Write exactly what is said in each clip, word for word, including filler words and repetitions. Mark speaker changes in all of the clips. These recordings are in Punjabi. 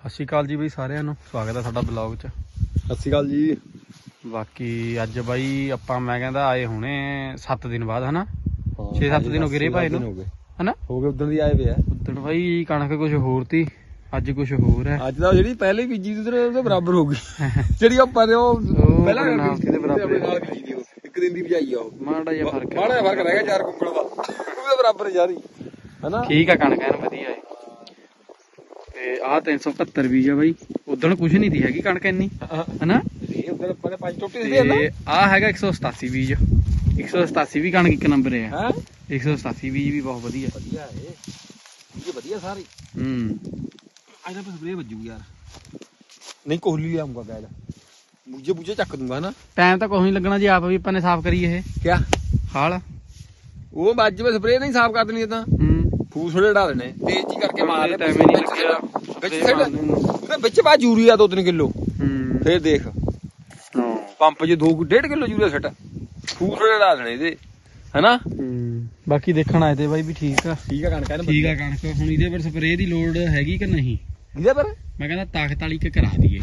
Speaker 1: ਸਤਿ ਸ਼੍ਰੀ ਅਕਾਲ ਜੀ ਬਈ ਸਾਰਿਆਂ ਨੂੰ, ਸਵਾਗਤ ਹੈ ਸਾਡਾ ਬਲੌਗ 'ਚ।
Speaker 2: ਸਤਿ ਸ਼੍ਰੀ ਅਕਾਲ ਜੀ।
Speaker 1: ਬਾਕੀ ਅੱਜ ਬਾਈ ਆਪਾਂ ਮੈਂ ਕਹਿੰਦਾ ਆਏ ਹੁਣੇ ਸੱਤ ਦਿਨ ਬਾਅਦ ਹਨਾ, ਛੇ ਸੱਤ ਦਿਨ ਹੋ ਗਏ ਰੇ ਭਾਈ ਨੂੰ ਹਨਾ,
Speaker 2: ਹੋ ਗਏ ਉਦੋਂ ਦੀ ਆਏ ਵੇ ਆ।
Speaker 1: ਉਦੋਂ ਬਾਈ ਕਣਕ ਕੁਝ ਹੋਰ ਤੀ, ਅੱਜ ਕੁਝ ਹੋਰ ਹੈ।
Speaker 2: ਅੱਜ ਤਾਂ ਜਿਹੜੀ ਪਹਿਲੇ ਬੀਜੀ ਦੀ ਉਹਦੇ ਬਰਾਬਰ ਹੋ ਗਈ ਜਿਹੜੀ ਆਪਾਂ ਨੇ ਉਹ ਪਹਿਲਾਂ
Speaker 1: ਬੀਜੀ ਦੇ ਬਰਾਬਰ
Speaker 2: ਨਾਲ ਬੀਜੀ ਦੀ ਉਹ ਇੱਕ ਦਿਨ ਦੀ ਬਜਾਈ ਆ ਉਹ
Speaker 1: ਮਾੜਾ ਜਿਹਾ ਫਰਕ
Speaker 2: ਮਾੜਾ ਜਿਹਾ ਫਰਕ ਰਹਿ ਗਿਆ ਚਾਰ ਕੁੰਕੜ ਦਾ, ਉਹਦੇ ਬਰਾਬਰ ਜਾ ਰਹੀ ਹਨਾ।
Speaker 1: ਠੀਕ ਆ, ਕਣਕ ਐਨ ਵਧੀਆ ਹੈ। ਤੇ ਆਹ ਤਿੰਨ ਸੌ ਇਕਹੱਤਰ ਬੀਜ ਆ ਬਾਈ, ਉਦੋਂ ਕੁਝ ਨਹੀਂ ਦੀ ਹੈਗੀ ਕਣਕ ਇੰਨੀ ਹਨਾ।
Speaker 2: ਇਹ ਉਧਰ ਆਪਾਂ ਨੇ ਪੰਜ ਟੋਟੇ
Speaker 1: ਤੇ ਆਹ ਹੈਗਾ ਇੱਕ ਸੌ ਸਤਾਸੀ ਬੀਜ, ਇੱਕ ਸੌ ਸਤਾਸੀ ਵੀ ਕਣਕ ਇੱਕ ਨੰਬਰ ਹੈ।
Speaker 2: ਹੈ
Speaker 1: ਇੱਕ ਸੌ ਸਤਾਸੀ ਬੀਜ ਵੀ ਬਹੁਤ ਵਧੀਆ
Speaker 2: ਵਧੀਆ ਇਹ ਇਹ ਵਧੀਆ ਸਾਰੇ।
Speaker 1: ਹੂੰ
Speaker 2: ਅੱਜ ਤਾਂ ਸਪਰੇ ਵੱਜੂ ਯਾਰ, ਨਹੀਂ ਕੋਹਲੀ ਲਿਆਉਂਗਾ ਗੈਲ ਬੂਝੇ ਬੂਝੇ ਚੱਕ ਦੂੰਗਾ ਨਾ।
Speaker 1: ਟਾਈਮ ਤਾਂ ਕੋਈ ਨਹੀਂ ਲੱਗਣਾ ਜੀ, ਆਪ ਵੀ ਆਪਾਂ ਨੇ ਸਾਫ਼ ਕਰੀ ਇਹ
Speaker 2: ਕਿਆ
Speaker 1: ਹਾਲ
Speaker 2: ਉਹ ਵੱਜ ਮੈਂ ਸਪਰੇ ਨਹੀਂ ਸਾਫ਼ ਕਰ ਦੇਣੀ ਤਾਂ
Speaker 1: ਹੂੰ
Speaker 2: ਫੂਸ ਥੋੜੇ ਡਾ ਦੇਣੇ ਤੇਜ਼ ਹੀ ਕਰਕੇ ਮਾਰ ਲੈ
Speaker 1: ਟਾਈਮ ਹੀ ਨਹੀਂ ਲੱਗਿਆ
Speaker 2: ਵਿੱਚ ਸਿੱਟ ਉਹਦੇ ਵਿੱਚ ਪਾ ਯੂਰੀਆ ਦੋ ਤਿੰਨ ਕਿਲੋ
Speaker 1: ਹੂੰ
Speaker 2: ਫੇਰ ਦੇਖ
Speaker 1: ਹਾਂ
Speaker 2: ਪੰਪ 'ਚ ਦੋ ਡੇਢ ਕਿਲੋ ਯੂਰੀਆ ਸਿੱਟ ਫੂਸ ਥੋੜੇ ਡਾ ਦੇਣੇ ਇਹਦੇ ਹਨਾ।
Speaker 1: ਹੂੰ ਬਾਕੀ ਦੇਖਣ ਆਏ ਤੇ ਬਾਈ ਵੀ ਠੀਕ ਆ,
Speaker 2: ਠੀਕ ਆ ਕਣਕ ਇਹਨੇ
Speaker 1: ਠੀਕ ਆ ਕਣਕ। ਹੁਣ ਇਹਦੇ ਪਰ ਸਪਰੇਅ ਦੀ ਲੋੜ ਹੈਗੀ ਕਿ ਨਹੀਂ,
Speaker 2: ਇਹਦੇ ਪਰ
Speaker 1: ਮੈਂ ਕਹਿੰਦਾ ਤਾਕਤ ਵਾਲੀ ਕਿ ਕਰਾ ਦਈਏ।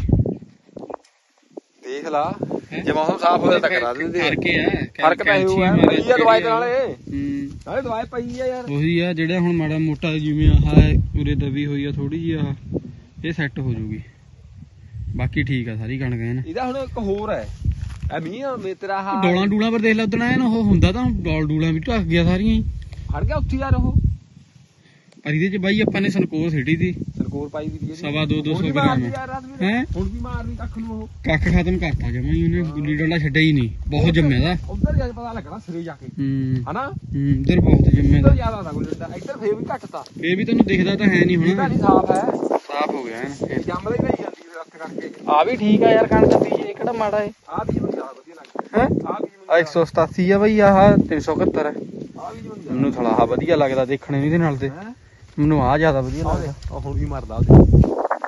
Speaker 2: ਦੇਖ ਲਾ ਜੇ ਮੌਸਮ ਸਾਫ਼ ਹੋਇਆ ਤਾਂ ਕਰਾ ਦਿੰਦੇ
Speaker 1: ਫਰਕ ਆ,
Speaker 2: ਫਰਕ ਤਾਂ ਇਹੋ ਹੈ ਪਈ ਆ ਦਵਾਈ ਨਾਲੇ
Speaker 1: ਹੂੰ
Speaker 2: ਨਾਲੇ ਦਵਾਈ ਪਈ ਆ ਯਾਰ।
Speaker 1: ਉਹੀ ਆ ਜਿਹੜਾ ਹੁਣ ਮਾੜਾ ਮੋਟਾ ਜਿਵੇਂ ਆਹ ਉਰੇ ਦਬੀ ਹੋਈ ਆ ਥੋੜੀ ਜਿਹੀ, ਆਹ ਇਹ ਸੈੱਟ ਹੋ ਜੂਗੀ। ਬਾਕੀ ਠੀਕ ਆ ਸਾਰੀ ਕਣਕ ਐਨ।
Speaker 2: ਇਹਦਾ ਹੁਣ ਇੱਕ ਹੋਰ ਹੈ ਐ ਮੀਂਹ ਮੇ ਤੇਰਾ ਆਹ
Speaker 1: ਡੋਲਾਂ ਡੂਲਾਂ ਪਰ ਦੇਖ ਲੈ ਉਦਣ ਐਨ ਉਹ ਹੁੰਦਾ ਤਾਂ ਡੋਲ ਡੂਲਾਂ ਵੀ ਢੱਕ ਗਿਆ ਸਾਰੀਆਂ ਹੀ,
Speaker 2: ਫੜ ਗਿਆ ਉੱਥੇ ਯਾਰ ਉਹ।
Speaker 1: ਪਰ ਇਹਦੇ ਚ ਬਾਈ ਆਪਾਂ ਨੇ ਸਨਕੋਰ ਸਿੱਟੀ ਤੀ
Speaker 2: ਸਰਕੋਰ ਪਾਈ ਵੀ ਦੀ
Speaker 1: ਸਵਾ ਦੋ ਦੋ
Speaker 2: ਹੁਣ
Speaker 1: ਸੌ
Speaker 2: ਵੀ
Speaker 1: ਗ੍ਰਾਮ
Speaker 2: ਮਾਰਦੀ ਯਾਰ ਰਾਤ ਵੀ
Speaker 1: ਹੈ।
Speaker 2: ਹੁਣ ਵੀ ਮਾਰਨੀ ਕੱਖ ਨੂੰ ਉਹ
Speaker 1: ਕੱਖ ਖਤਮ ਕਰਤਾ ਜਮਾ ਹੀ ਉਹਨੇ, ਗੁੱਲੀ ਡੰਡਾ ਛੱਡਿਆ ਹੀ ਨਹੀਂ, ਬਹੁਤ ਜੰਮਿਆ ਦਾ।
Speaker 2: ਉਧਰ ਜਾ ਕੇ ਪਤਾ ਲੱਗਣਾ ਸਿਰੇ ਜਾ ਕੇ
Speaker 1: ਹੂੰ
Speaker 2: ਹਨਾ।
Speaker 1: ਹੂੰ ਉਧਰ ਬਹੁਤ ਜੰਮਿਆ
Speaker 2: ਇੱਧਰ
Speaker 1: ਦਾ।
Speaker 2: ਜ਼ਿਆਦਾ ਦਾ ਗੁੱਲੀ ਡੰਡਾ, ਇੱਧਰ ਫੇਰ ਵੀ ਘੱਟ ਤਾ।
Speaker 1: ਇਹ ਵੀ ਤੈਨੂੰ ਦਿਖਦਾ ਤਾਂ ਹੈ ਨਹੀਂ
Speaker 2: ਇਹ
Speaker 1: ਹੁਣ,
Speaker 2: ਤਾਂ ਨਹੀਂ ਸਾਫ਼ ਹੈ,
Speaker 1: ਸਾਫ਼ ਹੋ ਗਿਆ ਐਨ ਫੇਰ।
Speaker 2: ਜੰਮਦਾ ਹੀ ਨਹੀਂ ਜਾਂਦੀ ਫਿਰ ਹੱਥ ਕਰਕੇ।
Speaker 1: ਆ ਵੀ ਠੀਕ ਆ ਯਾਰ ਕਣਕ ਬੀਜ, ਇਹ ਕਿਹੜਾ ਮਾੜਾ ਏ
Speaker 2: ਆਹ ਵੀ ਮੈਨੂੰ ਜ਼ਿਆਦਾ ਵਧੀਆ ਲੱਗਦਾ
Speaker 1: ਹੈ।
Speaker 2: ਆਹ ਵੀ
Speaker 1: ਆ ਇੱਕ ਸੌ ਸਤਾਸੀ ਆ ਬਈ, ਆਹ ਤਿੰਨ ਸੌ ਇਕਹੱਤਰ ਹੈ।
Speaker 2: ਆਹ ਵੀ ਮੈਨੂੰ
Speaker 1: ਮੈਨੂੰ ਥੋੜਾ ਆਹ ਵਧੀਆ ਲੱਗਦਾ ਦੇਖਣੇ ਨੂੰ ਇਹਦੇ ਨਾਲ ਤੇ,
Speaker 2: ਹੈ
Speaker 1: ਮੈਨੂੰ ਆਹ ਜ਼ਿਆਦਾ ਵਧੀਆ
Speaker 2: ਆਹ
Speaker 1: ਲੱਗਦਾ।
Speaker 2: ਦੇਖ, ਆਹ ਹੁਣ ਵੀ ਮਾਰਦਾ ਉਹਦੇ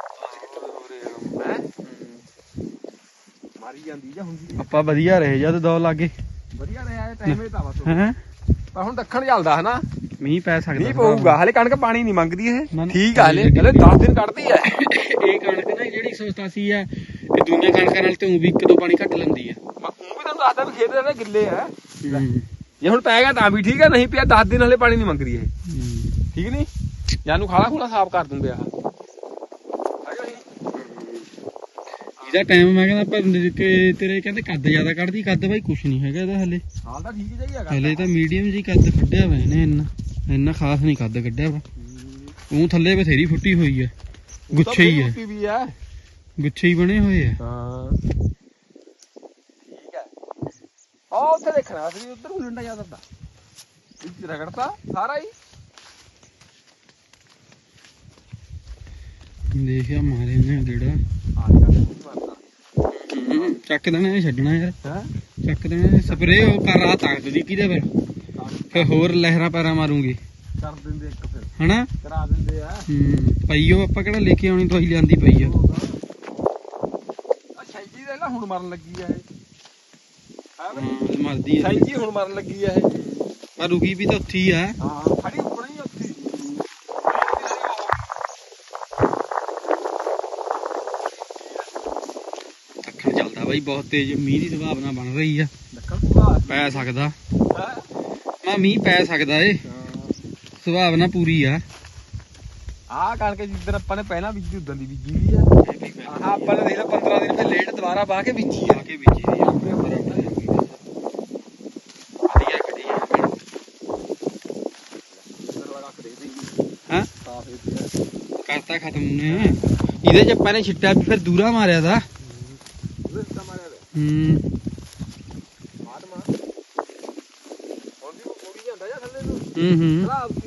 Speaker 2: ਹੈ ਮਾਰੀ ਜਾਂਦੀ ਜਾਂ ਹੁੰਦੀ
Speaker 1: ਆਪਾਂ ਵਧੀਆ ਰਹੇ ਜਦ ਦੋ ਲਾਗੇ
Speaker 2: ਵਧੀਆ ਰਿਹਾ ਇਹ ਟਾਈਮ ਇਹ ਤਾਂ ਬਸ।
Speaker 1: ਹੈ।
Speaker 2: ਪਰ ਹੁਣ ਦੱਖਣ ਚੱਲਦਾ ਹਨਾ,
Speaker 1: ਮੀਂਹ ਪੈ ਸਕਦਾ
Speaker 2: ਨਹੀਂ ਪਊਗਾ ਹਲੇ। ਕਣਕ ਪਾਣੀ ਨਹੀਂ ਮੰਗਦੀ
Speaker 1: ਨਾ,
Speaker 2: ਇਹ,
Speaker 1: ਨਾ।
Speaker 2: ਠੀਕ ਆ ਹਲੇ ਹਲੇ ਦਸ ਦਿਨ ਕੱਢਦੀ ਐ
Speaker 1: ਇਹ ਕਣਕ ਨਾ ਜਿਹੜੀ ਇੱਕ ਸੌ ਸਤਾਸੀ ਆ, ਇਹ ਦੂਜੀਆਂ ਕਣਕਾਂ ਨਾਲ ਤੇ ਉਹ ਵੀ ਇੱਕ ਦੋ ਪਾਣੀ ਘੱਟ ਲੈਂਦੀ ਆ।
Speaker 2: ਉਹ ਵੀ ਤੁਹਾਨੂੰ ਦੱਸਦਾ ਵੀ ਖੇਤ ਦੇ ਗਿੱਲੇ ਆ।
Speaker 1: ਹੂੰ
Speaker 2: ਜੇ ਹੁਣ ਪੈ ਗਿਆ ਤਾਂ ਵੀ ਠੀਕ ਆ, ਨਹੀਂ ਪਿਆ ਦਸ ਦਿਨ ਹਲੇ ਪਾਣੀ ਨਹੀਂ ਮੰਗਦੀ ਇਹ,
Speaker 1: ਹੂੰ।
Speaker 2: ਠੀਕ ਨਹੀਂ। ਜਾਨੂੰ ਖਾਲਾ ਖੂਲਾ ਸਾਫ਼ ਕਰ ਦੂੰਗੇ ਆਹ
Speaker 1: ਇਹਦਾ ਟਾਈਮ ਮੈਂ ਕਹਿੰਦਾ ਪਰ ਕਿ ਤੇਰੇ ਕਹਿੰਦੇ ਕੱਦ ਜ਼ਿਆਦਾ ਕੱਢਦੀ, ਕੱਦ ਬਾਈ ਕੁਛ ਨਹੀਂ ਹੈਗਾ ਇਹਦਾ ਹਲੇ।
Speaker 2: ਹਾਲ ਤਾਂ ਠੀਕ ਹੀ ਹੈਗਾ
Speaker 1: ਹਲੇ ਤਾਂ ਮੀਡੀਅਮ ਜੀ ਕੱਦ ਕੱਢਿਆ ਵਾ ਇਹਨੇ, ਇੰਨਾ ਇੰਨਾ ਖਾਸ ਨਹੀਂ ਕੱਦ ਕੱਢਿਆ ਵਾ। ਉਹ ਥੱਲੇ ਬਥੇਰੀ ਫੁੱਟੀ ਹੋਈ ਆ, ਗੁੱਛੇ ਹੀ ਆ,
Speaker 2: ਵੀ ਆ
Speaker 1: ਗੁੱਛੇ ਹੀ ਬਣੇ ਹੋਏ ਆ।
Speaker 2: ਹਾਂ ਠੀਕ ਹੈ। ਆ ਉੱਥੇ ਦੇਖਣਾ ਸੀ, ਉੱਧਰ ਹੁਲੰਡਾ ਜ਼ਿਆਦਾ ਦਾ ਵਿੱਚ ਰਗੜਤਾ ਸਾਰਾ ਹੀ।
Speaker 1: ਦੇਖਿਆ ਮਾਰੇ ਨੇ ਜਿਹੜਾ
Speaker 2: ਆ ਚੱਕ ਮਾਰਦਾ
Speaker 1: ਚੱਕ ਦੇਣਾ ਇਹ, ਛੱਡਣਾ ਯਾਰ
Speaker 2: ਹੈ
Speaker 1: ਚੱਕ ਦੇਣਾ। ਸਪਰੇ ਉਹ ਕਰ ਰਹਾ ਤਾਕਤ ਦੀ ਕਿਹਦੇ ਫਿਰ, ਫਿਰ ਹੋਰ ਲਹਿਰਾਂ ਪੈਰਾਂ ਮਾਰੂਗੇ
Speaker 2: ਕਰ ਦਿੰਦੇ ਇੱਕ ਫਿਰ
Speaker 1: ਹਨਾ।
Speaker 2: ਕਰਾ ਦਿੰਦੇ ਆ।
Speaker 1: ਹੂੰ ਪਈਓ ਆਪਾਂ ਕਿਹੜਾ ਲੈ ਕੇ ਆਉਣੀ, ਦਵਾਈ ਲਿਆਂਦੀ ਪਈ ਆ।
Speaker 2: ਆ ਸ਼ੈਂਜੀ ਦੇ ਨਾ ਹੁਣ ਮਰਨ ਲੱਗੀ ਆ ਇਹ। ਹਾਂ
Speaker 1: ਹਾਂ ਮਰਦੀ ਆ
Speaker 2: ਸ਼ੈਂਜੀ ਹੁਣ ਮਰਨ ਲੱਗੀ ਆ ਇਹ।
Speaker 1: ਪਰ ਰੁਕੀ ਵੀ ਤਾਂ ਉੱਥੇ ਹੀ ਆ।
Speaker 2: ਹਾਂ ਖੜੀ ਉੱਪਰ ਹੀ ਉੱਥੇ।
Speaker 1: ਅੱਖਾਂ ਚੱਲਦਾ ਬਾਈ ਬਹੁਤ ਤੇਜ਼, ਮੀਂਹ ਦੀ ਸੰਭਾਵਨਾ ਬਣ ਰਹੀ ਆ,
Speaker 2: ਲੱਕੜ ਪੂਰਾ
Speaker 1: ਪੈ ਸਕਦਾ।
Speaker 2: ਹੈ।
Speaker 1: ਮੈਂ ਮੀਂਹ ਪੈ ਸਕਦਾ ਏ, ਸੰਭਾਵਨਾ ਪੂਰੀ ਆ।
Speaker 2: ਆਹ ਕਣਕ ਜਿੱਦਣ ਆਪਾਂ ਨੇ ਪਹਿਲਾਂ ਬੀਜੀ ਉਦੋਂ ਦੀ ਬੀਜੀ ਵੀ ਆ। ਆਹ ਆਪਾਂ ਨੇ ਦੇਖ ਲਾ ਪੰਦਰਾਂ ਦਿਨ ਫਿਰ ਲੇਟ ਦੁਬਾਰਾ ਬਾਹ ਕੇ ਬੀਜੀ ਆ।
Speaker 1: ਕੇ ਬੀਜੀ ਦੀ ਆ ਵਧੀਆ ਕੱਢੀ ਆ ਹਾਂ। ਕਰਤਾ ਖਤਮ ਉਹਨੇ, ਇਹਦੇ ਚ ਆਪਾਂ ਨੇ ਛਿੱਟਾ ਵੀ ਫਿਰ ਦੂਰਾ ਮਾਰਿਆ ਦਾ। ਹੂੰ ਹੂੰ ਹੂੰ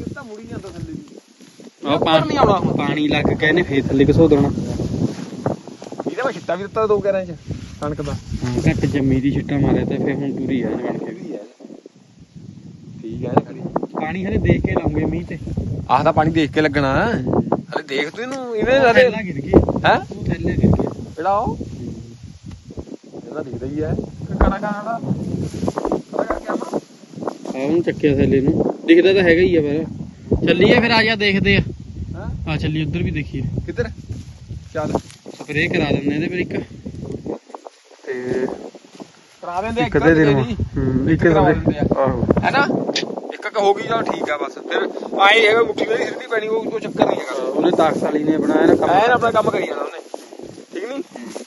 Speaker 1: ਆਹ ਪਾਣੀ
Speaker 2: ਆਉਣਾ ਹੁਣ।
Speaker 1: ਪਾਣੀ ਲੱਗ ਕੇ ਇਹਨੇ ਫੇਰ ਥੱਲੇ ਘਸੋ ਦੇਣਾ।
Speaker 2: ਇਹਦਾ ਮੈਂ ਛਿੱਟਾ ਵੀ ਦਿੱਤਾ ਦੋ ਗਿਆਰਾਂ ਚ ਕਣਕ ਦਾ।
Speaker 1: ਹਾਂ ਘੱਟ ਜੰਮੀ ਦੀ ਛਿੱਟਾ ਮਾਰਿਆ ਤੇ ਫੇਰ ਹੁਣ ਪੂਰੀ ਆ ਬਣ ਕੇ।
Speaker 2: ਠੀਕ ਹੈ ਖੜੀ
Speaker 1: ਪਾਣੀ ਹਲੇ ਦੇਖ ਕੇ ਲਾਉਂਗੇ ਮੀਂਹ ਤੇ।
Speaker 2: ਆਹ ਤਾਂ ਪਾਣੀ ਦੇਖ ਕੇ ਲੱਗਣਾ ਹਲੇ, ਦੇਖ ਤੂੰ ਇਹਨੂੰ ਇਵੇਂ
Speaker 1: ਉਹ
Speaker 2: ਹਲੇ
Speaker 1: ਥੈਲਾ ਗਿਰ ਗਈ,
Speaker 2: ਹੈ
Speaker 1: ਉਹ ਥੈਲੇ ਗਿਰ ਗਿਆ
Speaker 2: ਜਿਹੜਾ ਉਹ ਇਹਦਾ ਦਿਖਦਾ ਹੀ ਹੈ ਕਣਾ ਕਣਾ ਦਾ ਪਤਾ ਕਰਕੇ ਆਵਾਂ।
Speaker 1: ਆ ਉਹਨੂੰ ਚੱਕਿਆ ਥੈਲੇ ਨੂੰ, ਦਿਖਦਾ ਤਾਂ ਹੈਗਾ ਹੀ ਆ ਪਰ। ਚੱਲੀਏ ਫਿਰ, ਆ ਜਾ ਦੇਖਦੇ ਆ।
Speaker 2: ਹਾਂ
Speaker 1: ਆ ਚੱਲੀ ਉਧਰ ਵੀ ਦੇਖੀਏ।
Speaker 2: ਕਿੱਧਰ ਚੱਲ
Speaker 1: ਸਪਰੇਅ ਕਰਾ ਦਿੰਦੇ ਇਹਦੇ ਪਰ ਇੱਕ ਤੇ
Speaker 2: ਕਰਾ ਦਿੰਦੇ
Speaker 1: ਇੱਕ ਦੇ ਦਿਨ ਹੂੰ ਇੱਕ
Speaker 2: ਕਰਾ
Speaker 1: ਦੇ
Speaker 2: ਦਿੰਦੇ ਆ
Speaker 1: ਆਹੋ
Speaker 2: ਹੈਨਾ ਇੱਕ ਕ ਹੋ ਗਈ ਜਾਂ ਠੀਕ ਆ ਬਸ ਫਿਰ ਆਏ ਹੈਗਾ ਮੁੱਠੀ ਵਾਲੀ ਸਿੱਧੀ ਪੈਣੀ ਉਹ ਕੋਈ ਚੱਕਰ ਨਹੀਂ ਹੈਗਾ
Speaker 1: ਉਹਨੇ ਤਾਕਤ ਵਾਲੀ ਨੇ ਬਣਾਇਆ ਨਾ ਕੰਮ
Speaker 2: ਐਨ ਆਪਣਾ ਕੰਮ ਕਰੀ ਜਾਣਾ ਉਹਨੇ ਠੀਕ ਨਹੀਂ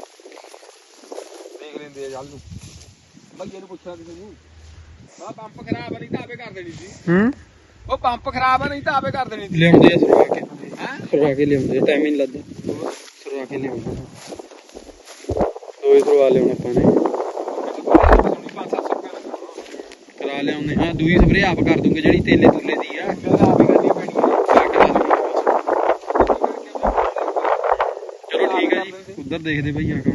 Speaker 2: ਦੇਖ ਲੈਂਦੇ ਆ ਜਲ ਨੂੰ ਭਈਏ ਨੂੰ ਪੁੱਛਣਾ ਕਿਸੇ ਨੂੰ ਆ ਪੰਪ ਖਰਾਬ ਆ ਨਹੀਂ ਤਾਂ ਆਪੇ ਕਰ ਦੇਣੀ ਸੀ
Speaker 1: ਹੂੰ
Speaker 2: ਉਹ ਪੰਪ ਖਰਾਬ ਆ ਨਹੀਂ ਤਾਂ ਆਪੇ ਕਰ ਦੇਣੀ ਸੀ
Speaker 1: ਲਿਆਉਂਦੇ ਆ ਸਰਵਾ ਕੇ
Speaker 2: ਹੈ
Speaker 1: ਸਰਵਾ ਕੇ ਲਿਆਉਂਦੇ ਟਾਈਮ ਹੀ ਨਹੀਂ ਲੱਗਦਾ ਸਰਵਾ ਕੇ ਲਿਆਉਂਦੇ ਦੋਏ ਸਰਵਾ ਲਿਆਉਣੇ ਆਪਾਂ ਨੇ
Speaker 2: ਪੰਜ ਸੱਤ ਸੌ ਰੁਪਏ ਲੱਗਣਾ
Speaker 1: ਕਰਾ ਲਿਆਉਂਦੇ ਹਾਂ ਦੂਈ ਸਪਰੇਅ ਆਪ ਕਰ ਦੂੰਗੇ ਜਿਹੜੀ ਤੇਲੇ ਤੁਲੇ ਦੀ ਆ
Speaker 2: ਆਪੇ ਕਰਨੀ ਪੈਣੀ ਹੈ
Speaker 1: ਚਲੋ ਠੀਕ ਹੈ ਜੀ ਉਧਰ ਦੇਖਦੇ ਭਈਆ ਕੰਮ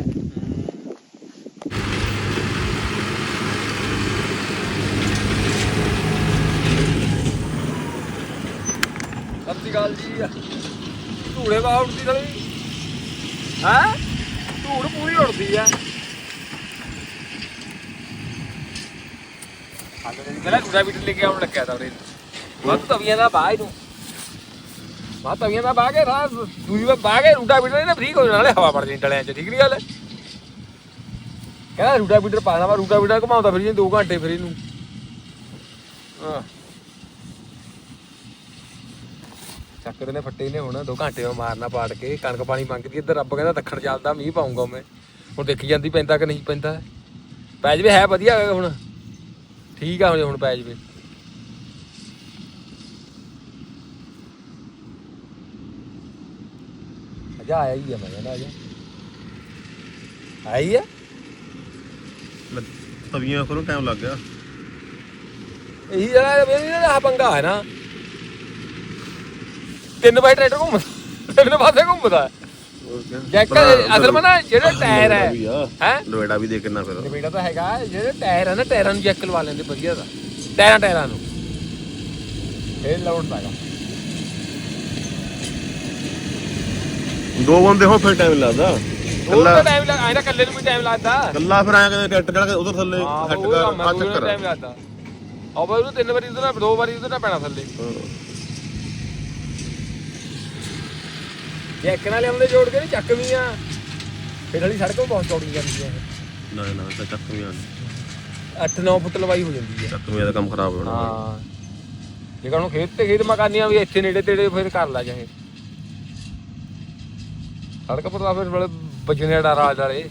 Speaker 2: ਸਤਿ ਸ਼੍ਰੀ ਅਕਾਲ ਜੀ ਧੂੜੇ ਬਾਹ ਉੱਡਦੀ ਸਾਲੀ ਹੈ ਧੂੜ ਪੂਰੀ ਉੱਡਦੀ ਆ ਪਹਿਲਾਂ ਰੂਟਾ ਬੀਟਰ ਲੈ ਕੇ ਆਉਣ ਲੱਗਿਆ ਤਾਂ ਉਹਨੇ ਵੱਧ ਤਵੀਆਂ ਦਾ ਬਾਹ ਇਹਨੂੰ ਬਾਹ ਤਵੀਆਂ ਦਾ ਬਾਹ ਕੇ ਰਾਤ ਦੂਜੀ ਵਾਰ ਬਾਹ ਕੇ ਰੂਟਾ ਬੀਟਰ ਇਹਨੇ ਫ੍ਰੀ ਹੋ ਜਾਣ ਵਾਲੇ ਹਵਾ ਵੜ ਜਾਣੀ ਡਲਿਆਂ 'ਚ ਠੀਕ ਨਹੀਂ ਗੱਲ ਕਹਿੰਦਾ ਰੂਟਾ ਬੀਟਰ ਪਾਣਾ ਵਾ ਰੂਟਾ ਬੀਟਰ ਘੁਮਾਉਂਦਾ ਫਿਰ ਦੋ ਘੰਟੇ ਫਿਰ ਇਹਨੂੰ ਹਾਂ ਚੱਕਰ ਨੇ ਫੱਟੇ ਨੇ ਹੁਣ ਦੋ ਘੰਟੇ ਮਾਰਨਾ ਪਾੜ ਕੇ ਕਣਕ ਪਾਣੀ ਮੰਗਦੀ ਇੱਧਰ ਰੱਬ ਕਹਿੰਦਾ ਦੱਖਣ ਚੱਲਦਾ ਮੀਂਹ ਪਾਉਂਗਾ ਮੈਂ ਹੁਣ ਦੇਖੀ ਜਾਂਦੀ ਪੈਂਦਾ ਕਿ ਨਹੀਂ ਪੈਂਦਾ ਪੈ ਜਵੇ ਹੈ ਵਧੀਆ ਹੁਣ ਠੀਕ ਆ ਹੁਣ ਪੈ ਜਵੇ ਅਜਾ ਆਇਆ ਹੀ ਆ ਮੈਂ ਕਹਿੰਦਾ ਅਜਾ ਆਈ ਆ
Speaker 3: ਤਵੀਆਂ ਕੋਲੋਂ ਟਾਈਮ ਲੱਗ ਗਿਆ
Speaker 2: ਇਹੀ ਜਿਹੜਾ ਆਹ ਪੰਗਾ ਹੈ ਨਾ ਤਿੰਨ ਵਾਰ ਟਰੈਕਟਰ ਘੁੰਮਦਾ ਤਿੰਨ ਪਾਸੇ ਘੁੰਮਦਾ ਜੈਕ ਅਸਲ ਮੈਂ ਨਾ ਜਿਹੜੇ ਟਾਇਰ ਹੈ ਹੈ
Speaker 3: ਲੋੜਾ ਵੀ ਦੇ ਕਿੰਨਾ ਫਿਰ
Speaker 2: ਲੋੜਾ ਤਾਂ ਹੈਗਾ ਜਿਹੜੇ ਟਾਇਰ ਹੈ ਨਾ ਟਾਇਰਾਂ ਨੂੰ ਜੈਕ ਲਵਾ ਲੈਂਦੇ ਵਧੀਆ ਦਾ ਟਾਇਰਾਂ ਟਾਇਰਾਂ ਨੂੰ ਇਹ ਲਾਉਣ ਪਾਗਾ
Speaker 3: ਦੋ ਬੰਦੇ ਹੋ ਫਿਰ ਟਾਈਮ ਲੱਗਦਾ
Speaker 2: ਕੱਲਾ ਟਾਈਮ ਲੱਗ ਆਇਆ ਕੱਲੇ ਨੂੰ ਵੀ ਟਾਈਮ ਲੱਗਦਾ
Speaker 3: ਕੱਲਾ ਫਿਰ ਆਇਆ ਕਹਿੰਦੇ ਟਰੈਕਟਰ ਜਿਹੜਾ ਉਧਰ ਥੱਲੇ ਹੱਟ ਕਰ ਆ ਚੱਕਰ
Speaker 2: ਟਾਈਮ ਲੱਗਦਾ ਆਹ ਬਈ ਉਹਨੂੰ ਤਿੰਨ ਵਾਰੀ ਉਧਰ ਦੋ ਵਾਰੀ ਉਧਰ ਪੈਣਾ ਥੱਲੇ ਜੈਕ ਨਾਲ ਲਿਆਉਂਦੇ ਜੋੜ ਕੇ ਨਹੀਂ ਚੱਕ ਵੀ ਆ ਫਿਰ ਵਾਲੀ ਸੜਕ ਨੂੰ ਬਹੁਤ ਚੌੜੀ ਜਾਂਦੀ ਹੈ
Speaker 3: ਨਾ ਨਾ ਤਾਂ ਚੱਕ ਵੀ ਆ
Speaker 2: ਅੱਠ ਨੌ ਫੁੱਟ ਲੰਬਾਈ ਹੋ ਜਾਂਦੀ ਹੈ
Speaker 3: ਚੱਕ ਵੀ ਦਾ ਕੰਮ ਖਰਾਬ ਹੋਣਾ
Speaker 2: ਹਾਂ ਜੇ ਕਹਣੋਂ ਖੇਤ ਤੇ ਖੇਤ ਮਕਾਨੀਆਂ ਵੀ ਇੱਥੇ ਨੇੜੇ ਤੇੜੇ ਫਿਰ ਕਰ ਲਾ ਜਾਏ ਸੜਕ ਪਰ ਤਾਂ ਫਿਰ ਬੜੇ ਵੱਜਣੇ ਡਰ ਆ ਵਾਲੇ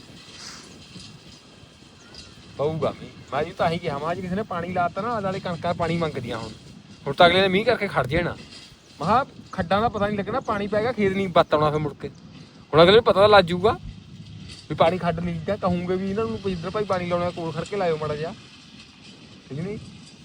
Speaker 2: ਪਊਗਾ ਮੀਂਹ ਮੈਂ ਜੀ ਤਾਂ ਹੀ ਕਿਹਾ ਮੈਂ ਅੱਜ ਕਿਸੇ ਨੇ ਪਾਣੀ ਲਾਤਾ ਨਾ ਵਾਲੇ ਕਣਕਾਂ ਪਾਣੀ ਮੰਗਦੀਆਂ ਹੁਣ ਹੁਣ ਤਾਂ ਅਗਲੇ ਨੇ ਮੀਂਹ ਕਰਕੇ ਖੜ ਜਾਣਾ ਮਹਾ ਖੱਡਾਂ ਦਾ ਪਤਾ ਨਹੀਂ ਲੱਗਣਾ ਪਾਣੀ ਪੈ ਗਿਆ ਖੇਤ ਨਹੀਂ ਬੱਤ ਆਉਣਾ ਫਿਰ ਮੁੜ ਕੇ ਹੁਣ ਅਗਲੇ ਨੂੰ ਪਤਾ ਤਾਂ ਲੱਗ ਜਾਊਗਾ ਵੀ ਪਾਣੀ ਖੱਡ ਨਹੀਂ ਗਿਆ ਕਹੂੰਗੇ ਵੀ ਇਹਨਾਂ ਨੂੰ ਜਿੱਧਰ ਭਾਈ ਪਾਣੀ ਲਾਉਣਾ ਕੋਲ ਖੜ ਕੇ ਲਾਇਓ ਮਾੜਾ ਜਿਹਾ ਠੀਕ ਨਹੀਂ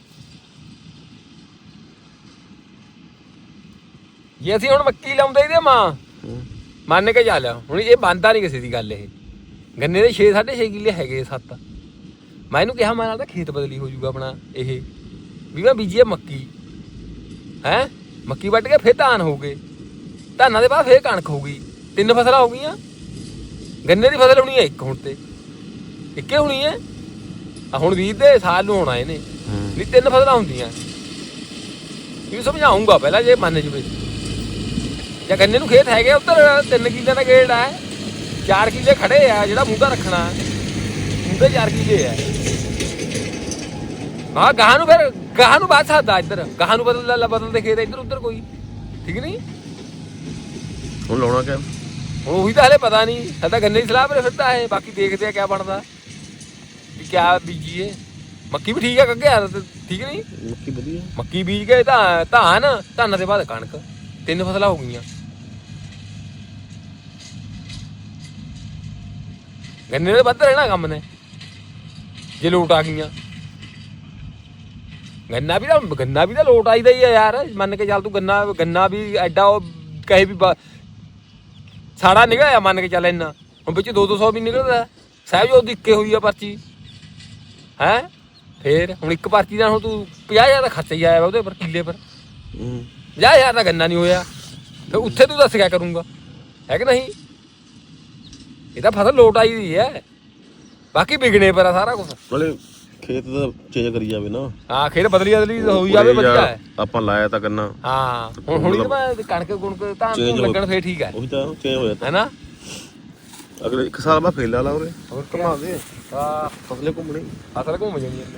Speaker 2: ਜੇ ਅਸੀਂ ਹੁਣ ਮੱਕੀ ਲਾਉਂਦੇ ਇਹਦੇ ਮਾਂ ਮੰਨ ਕੇ ਜਾ ਲਿਆ ਹੁਣ ਇਹ ਬੰਦਾ ਨਹੀਂ ਕਿਸੇ ਦੀ ਗੱਲ ਇਹ ਗੰਨੇ ਦੇ ਛੇ ਸਾਢੇ ਛੇ ਕਿੱਲੇ ਹੈਗੇ ਸੱਤ ਮੈਂ ਇਹਨੂੰ ਕਿਹਾ ਮੈਂ ਨਾਲ ਤਾਂ ਖੇਤ ਬਦਲੀ ਹੋ ਜਾਊਗਾ ਆਪਣਾ ਇਹ ਵੀ ਮੈਂ ਬੀਜੀਏ ਮੱਕੀ ਹੈਂ ਮੱਕੀ ਵੱਢ ਕੇ ਫਿਰ ਧਾਨ ਹੋ ਗਏ ਧਾਨਾਂ ਦੇ ਬਾਅਦ ਫਿਰ ਕਣਕ ਹੋ ਗਈ ਤਿੰਨ ਫਸਲਾਂ ਹੋ ਗਈਆਂ ਗੰਨੇ ਦੀ ਫਸਲ ਹੋਣੀ ਹੈ ਇੱਕ ਹੁਣ ਤੇ ਇੱਕੇ ਹੋਣੀ ਹੈ ਆ ਹੁਣ ਵੀਹ ਦੇ ਸਾਲ ਨੂੰ ਹੋਣਾ ਇਹਨੇ ਨਹੀਂ ਤਿੰਨ ਫਸਲਾਂ ਹੁੰਦੀਆਂ ਇਹ ਸਮਝਾਉਂਗਾ ਪਹਿਲਾਂ ਜੇ ਮੰਨ ਜਵੇ ਜਾਂ ਗੰਨੇ ਨੂੰ ਖੇਤ ਹੈਗੇ ਉੱਧਰ ਤਿੰਨ ਕਿੱਲੇ ਦਾ ਗੇੜ ਹੈ ਚਾਰ ਕਿੱਲੇ ਖੜੇ ਆ ਜਿਹੜਾ ਮੂੰਗਾ ਰੱਖਣਾ ਮੂੰਗੇ ਚਾਰ ਕਿੱਲੇ ਆ ਹਾਂ ਗਾਹਾਂ ਨੂੰ ਫਿਰ ਗਾਹਾਂ ਨੂੰ ਬਾਤ ਸਕਦਾ ਇੱਧਰ ਗਾਹਾਂ ਨੂੰ ਬਦਲ ਲੈ ਬਦਲਦੇ ਖੇਤ ਇੱਧਰ ਉੱਧਰ ਕੋਈ ਠੀਕ ਨਹੀਂ
Speaker 3: ਹੁਣ ਲਾਉਣਾ ਕਿਆ
Speaker 2: ਹੁਣ ਉਹੀ ਤਾਂ ਹਲੇ ਪਤਾ ਨਹੀਂ ਹਲੇ ਤਾਂ ਗੰਨੇ ਦੀ ਸਲਾਹ ਪਰ ਫਿਰਦਾ ਹੈ ਬਾਕੀ ਦੇਖਦੇ ਆ ਕਿਆ ਬਣਦਾ ਵੀ ਕਿਆ ਬੀਜੀਏ ਮੱਕੀ ਵੀ ਠੀਕ ਆ ਕੱਗੇ ਯਾਰ ਠੀਕ ਨਹੀਂ
Speaker 3: ਮੱਕੀ ਵਧੀਆ
Speaker 2: ਮੱਕੀ ਬੀਜ ਕੇ ਤਾਂ ਧਾਨ ਧਾਨਾਂ ਦੇ ਬਾਅਦ ਕਣਕ ਤਿੰਨ ਫਸਲਾਂ ਹੋ ਗਈਆਂ ਗੰਨੇ ਦੇ ਵੱਧ ਰਹਿਣਾ ਕੰਮ ਨੇ ਜੇ ਲੋਟ ਆ ਗਈਆਂ ਗੰਨਾ ਵੀ ਤਾਂ ਗੰਨਾ ਵੀ ਤਾਂ ਲੋਟ ਆਈਦਾ ਹੀ ਆ ਯਾਰ ਮੰਨ ਕੇ ਚੱਲ ਤੂੰ ਗੰਨਾ ਗੰਨਾ ਵੀ ਐਡਾ ਉਹ ਕਹੇ ਵੀ ਸਾੜਾ ਨਿਕਲਿਆ ਮੰਨ ਕੇ ਚੱਲ ਇੰਨਾ ਹੁਣ ਵਿੱਚ ਦੋ ਦੋ ਸੌ ਵੀ ਨਿਕਲਦਾ ਸਾਹਿਬ ਜੋ ਦਿੱਕੇ ਹੋਈ ਆ ਪਰਚੀ ਹੈ ਫੇਰ ਹੁਣ ਇੱਕ ਪਰਚੀ ਦਾ ਹੁਣ ਤੂੰ ਪੰਜਾਹ ਹਜ਼ਾਰ ਦਾ ਖਰਚਾ ਹੀ ਆਇਆ ਵਾ ਉਹਦੇ ਪਰ ਕਿੱਲੇ ਪਰ ਪੰਜਾਹ ਹਜ਼ਾਰ ਦਾ ਗੰਨਾ ਨਹੀਂ ਹੋਇਆ ਫਿਰ ਉੱਥੇ ਤੂੰ ਦੱਸ ਕਿਆ ਕਰੂੰਗਾ ਹੈ ਕਿ ਨਹੀਂ ਇਹ ਤਾਂ ਫਸਲ ਲੋਟ ਆਈ ਦੀ ਹੈ ਬਾਕੀ ਵਿਗਣੇ ਪਰ ਆ ਸਾਰਾ ਕੁਛ
Speaker 3: ਨਾਲੇ ਖੇਤ ਦਾ ਚੇਂਜ ਕਰੀ ਜਾਵੇ ਨਾ।
Speaker 2: ਹਾਂ ਖੇਤ ਬਦਲੀ ਬਦਲੀ ਹੋਈ ਜਾਵੇ ਵਧੀਆ ਹੈ।
Speaker 3: ਆਪਾਂ ਲਾਇਆ ਤਾਂ ਕਰਨਾ।
Speaker 2: ਹਾਂ ਹੁਣ ਹੁਣੀ ਤਾਂ ਕਣਕ ਕੁਣਕ ਤਾਂ ਲੱਗਣ ਫੇਰ ਠੀਕ ਹੈ।
Speaker 3: ਉਹੀ ਤਾਂ ਚੇਂਜ ਹੋ ਜਾਂਦਾ
Speaker 2: ਹੈਨਾ।
Speaker 3: ਅਗਲੇ ਇੱਕ ਸਾਲ ਬਾਅਦ ਫੇਰ ਲਾ ਲਾ ਉਰੇ
Speaker 2: ਹੋਰ
Speaker 3: ਘੁਮਾ ਦੇ
Speaker 2: ਹਾਂ
Speaker 3: ਫਸਲੇ ਘੁੰਮਣੀ
Speaker 2: ਅਸਲ ਘੁੰਮ ਜਾਣੀ ਇਹਨੇ।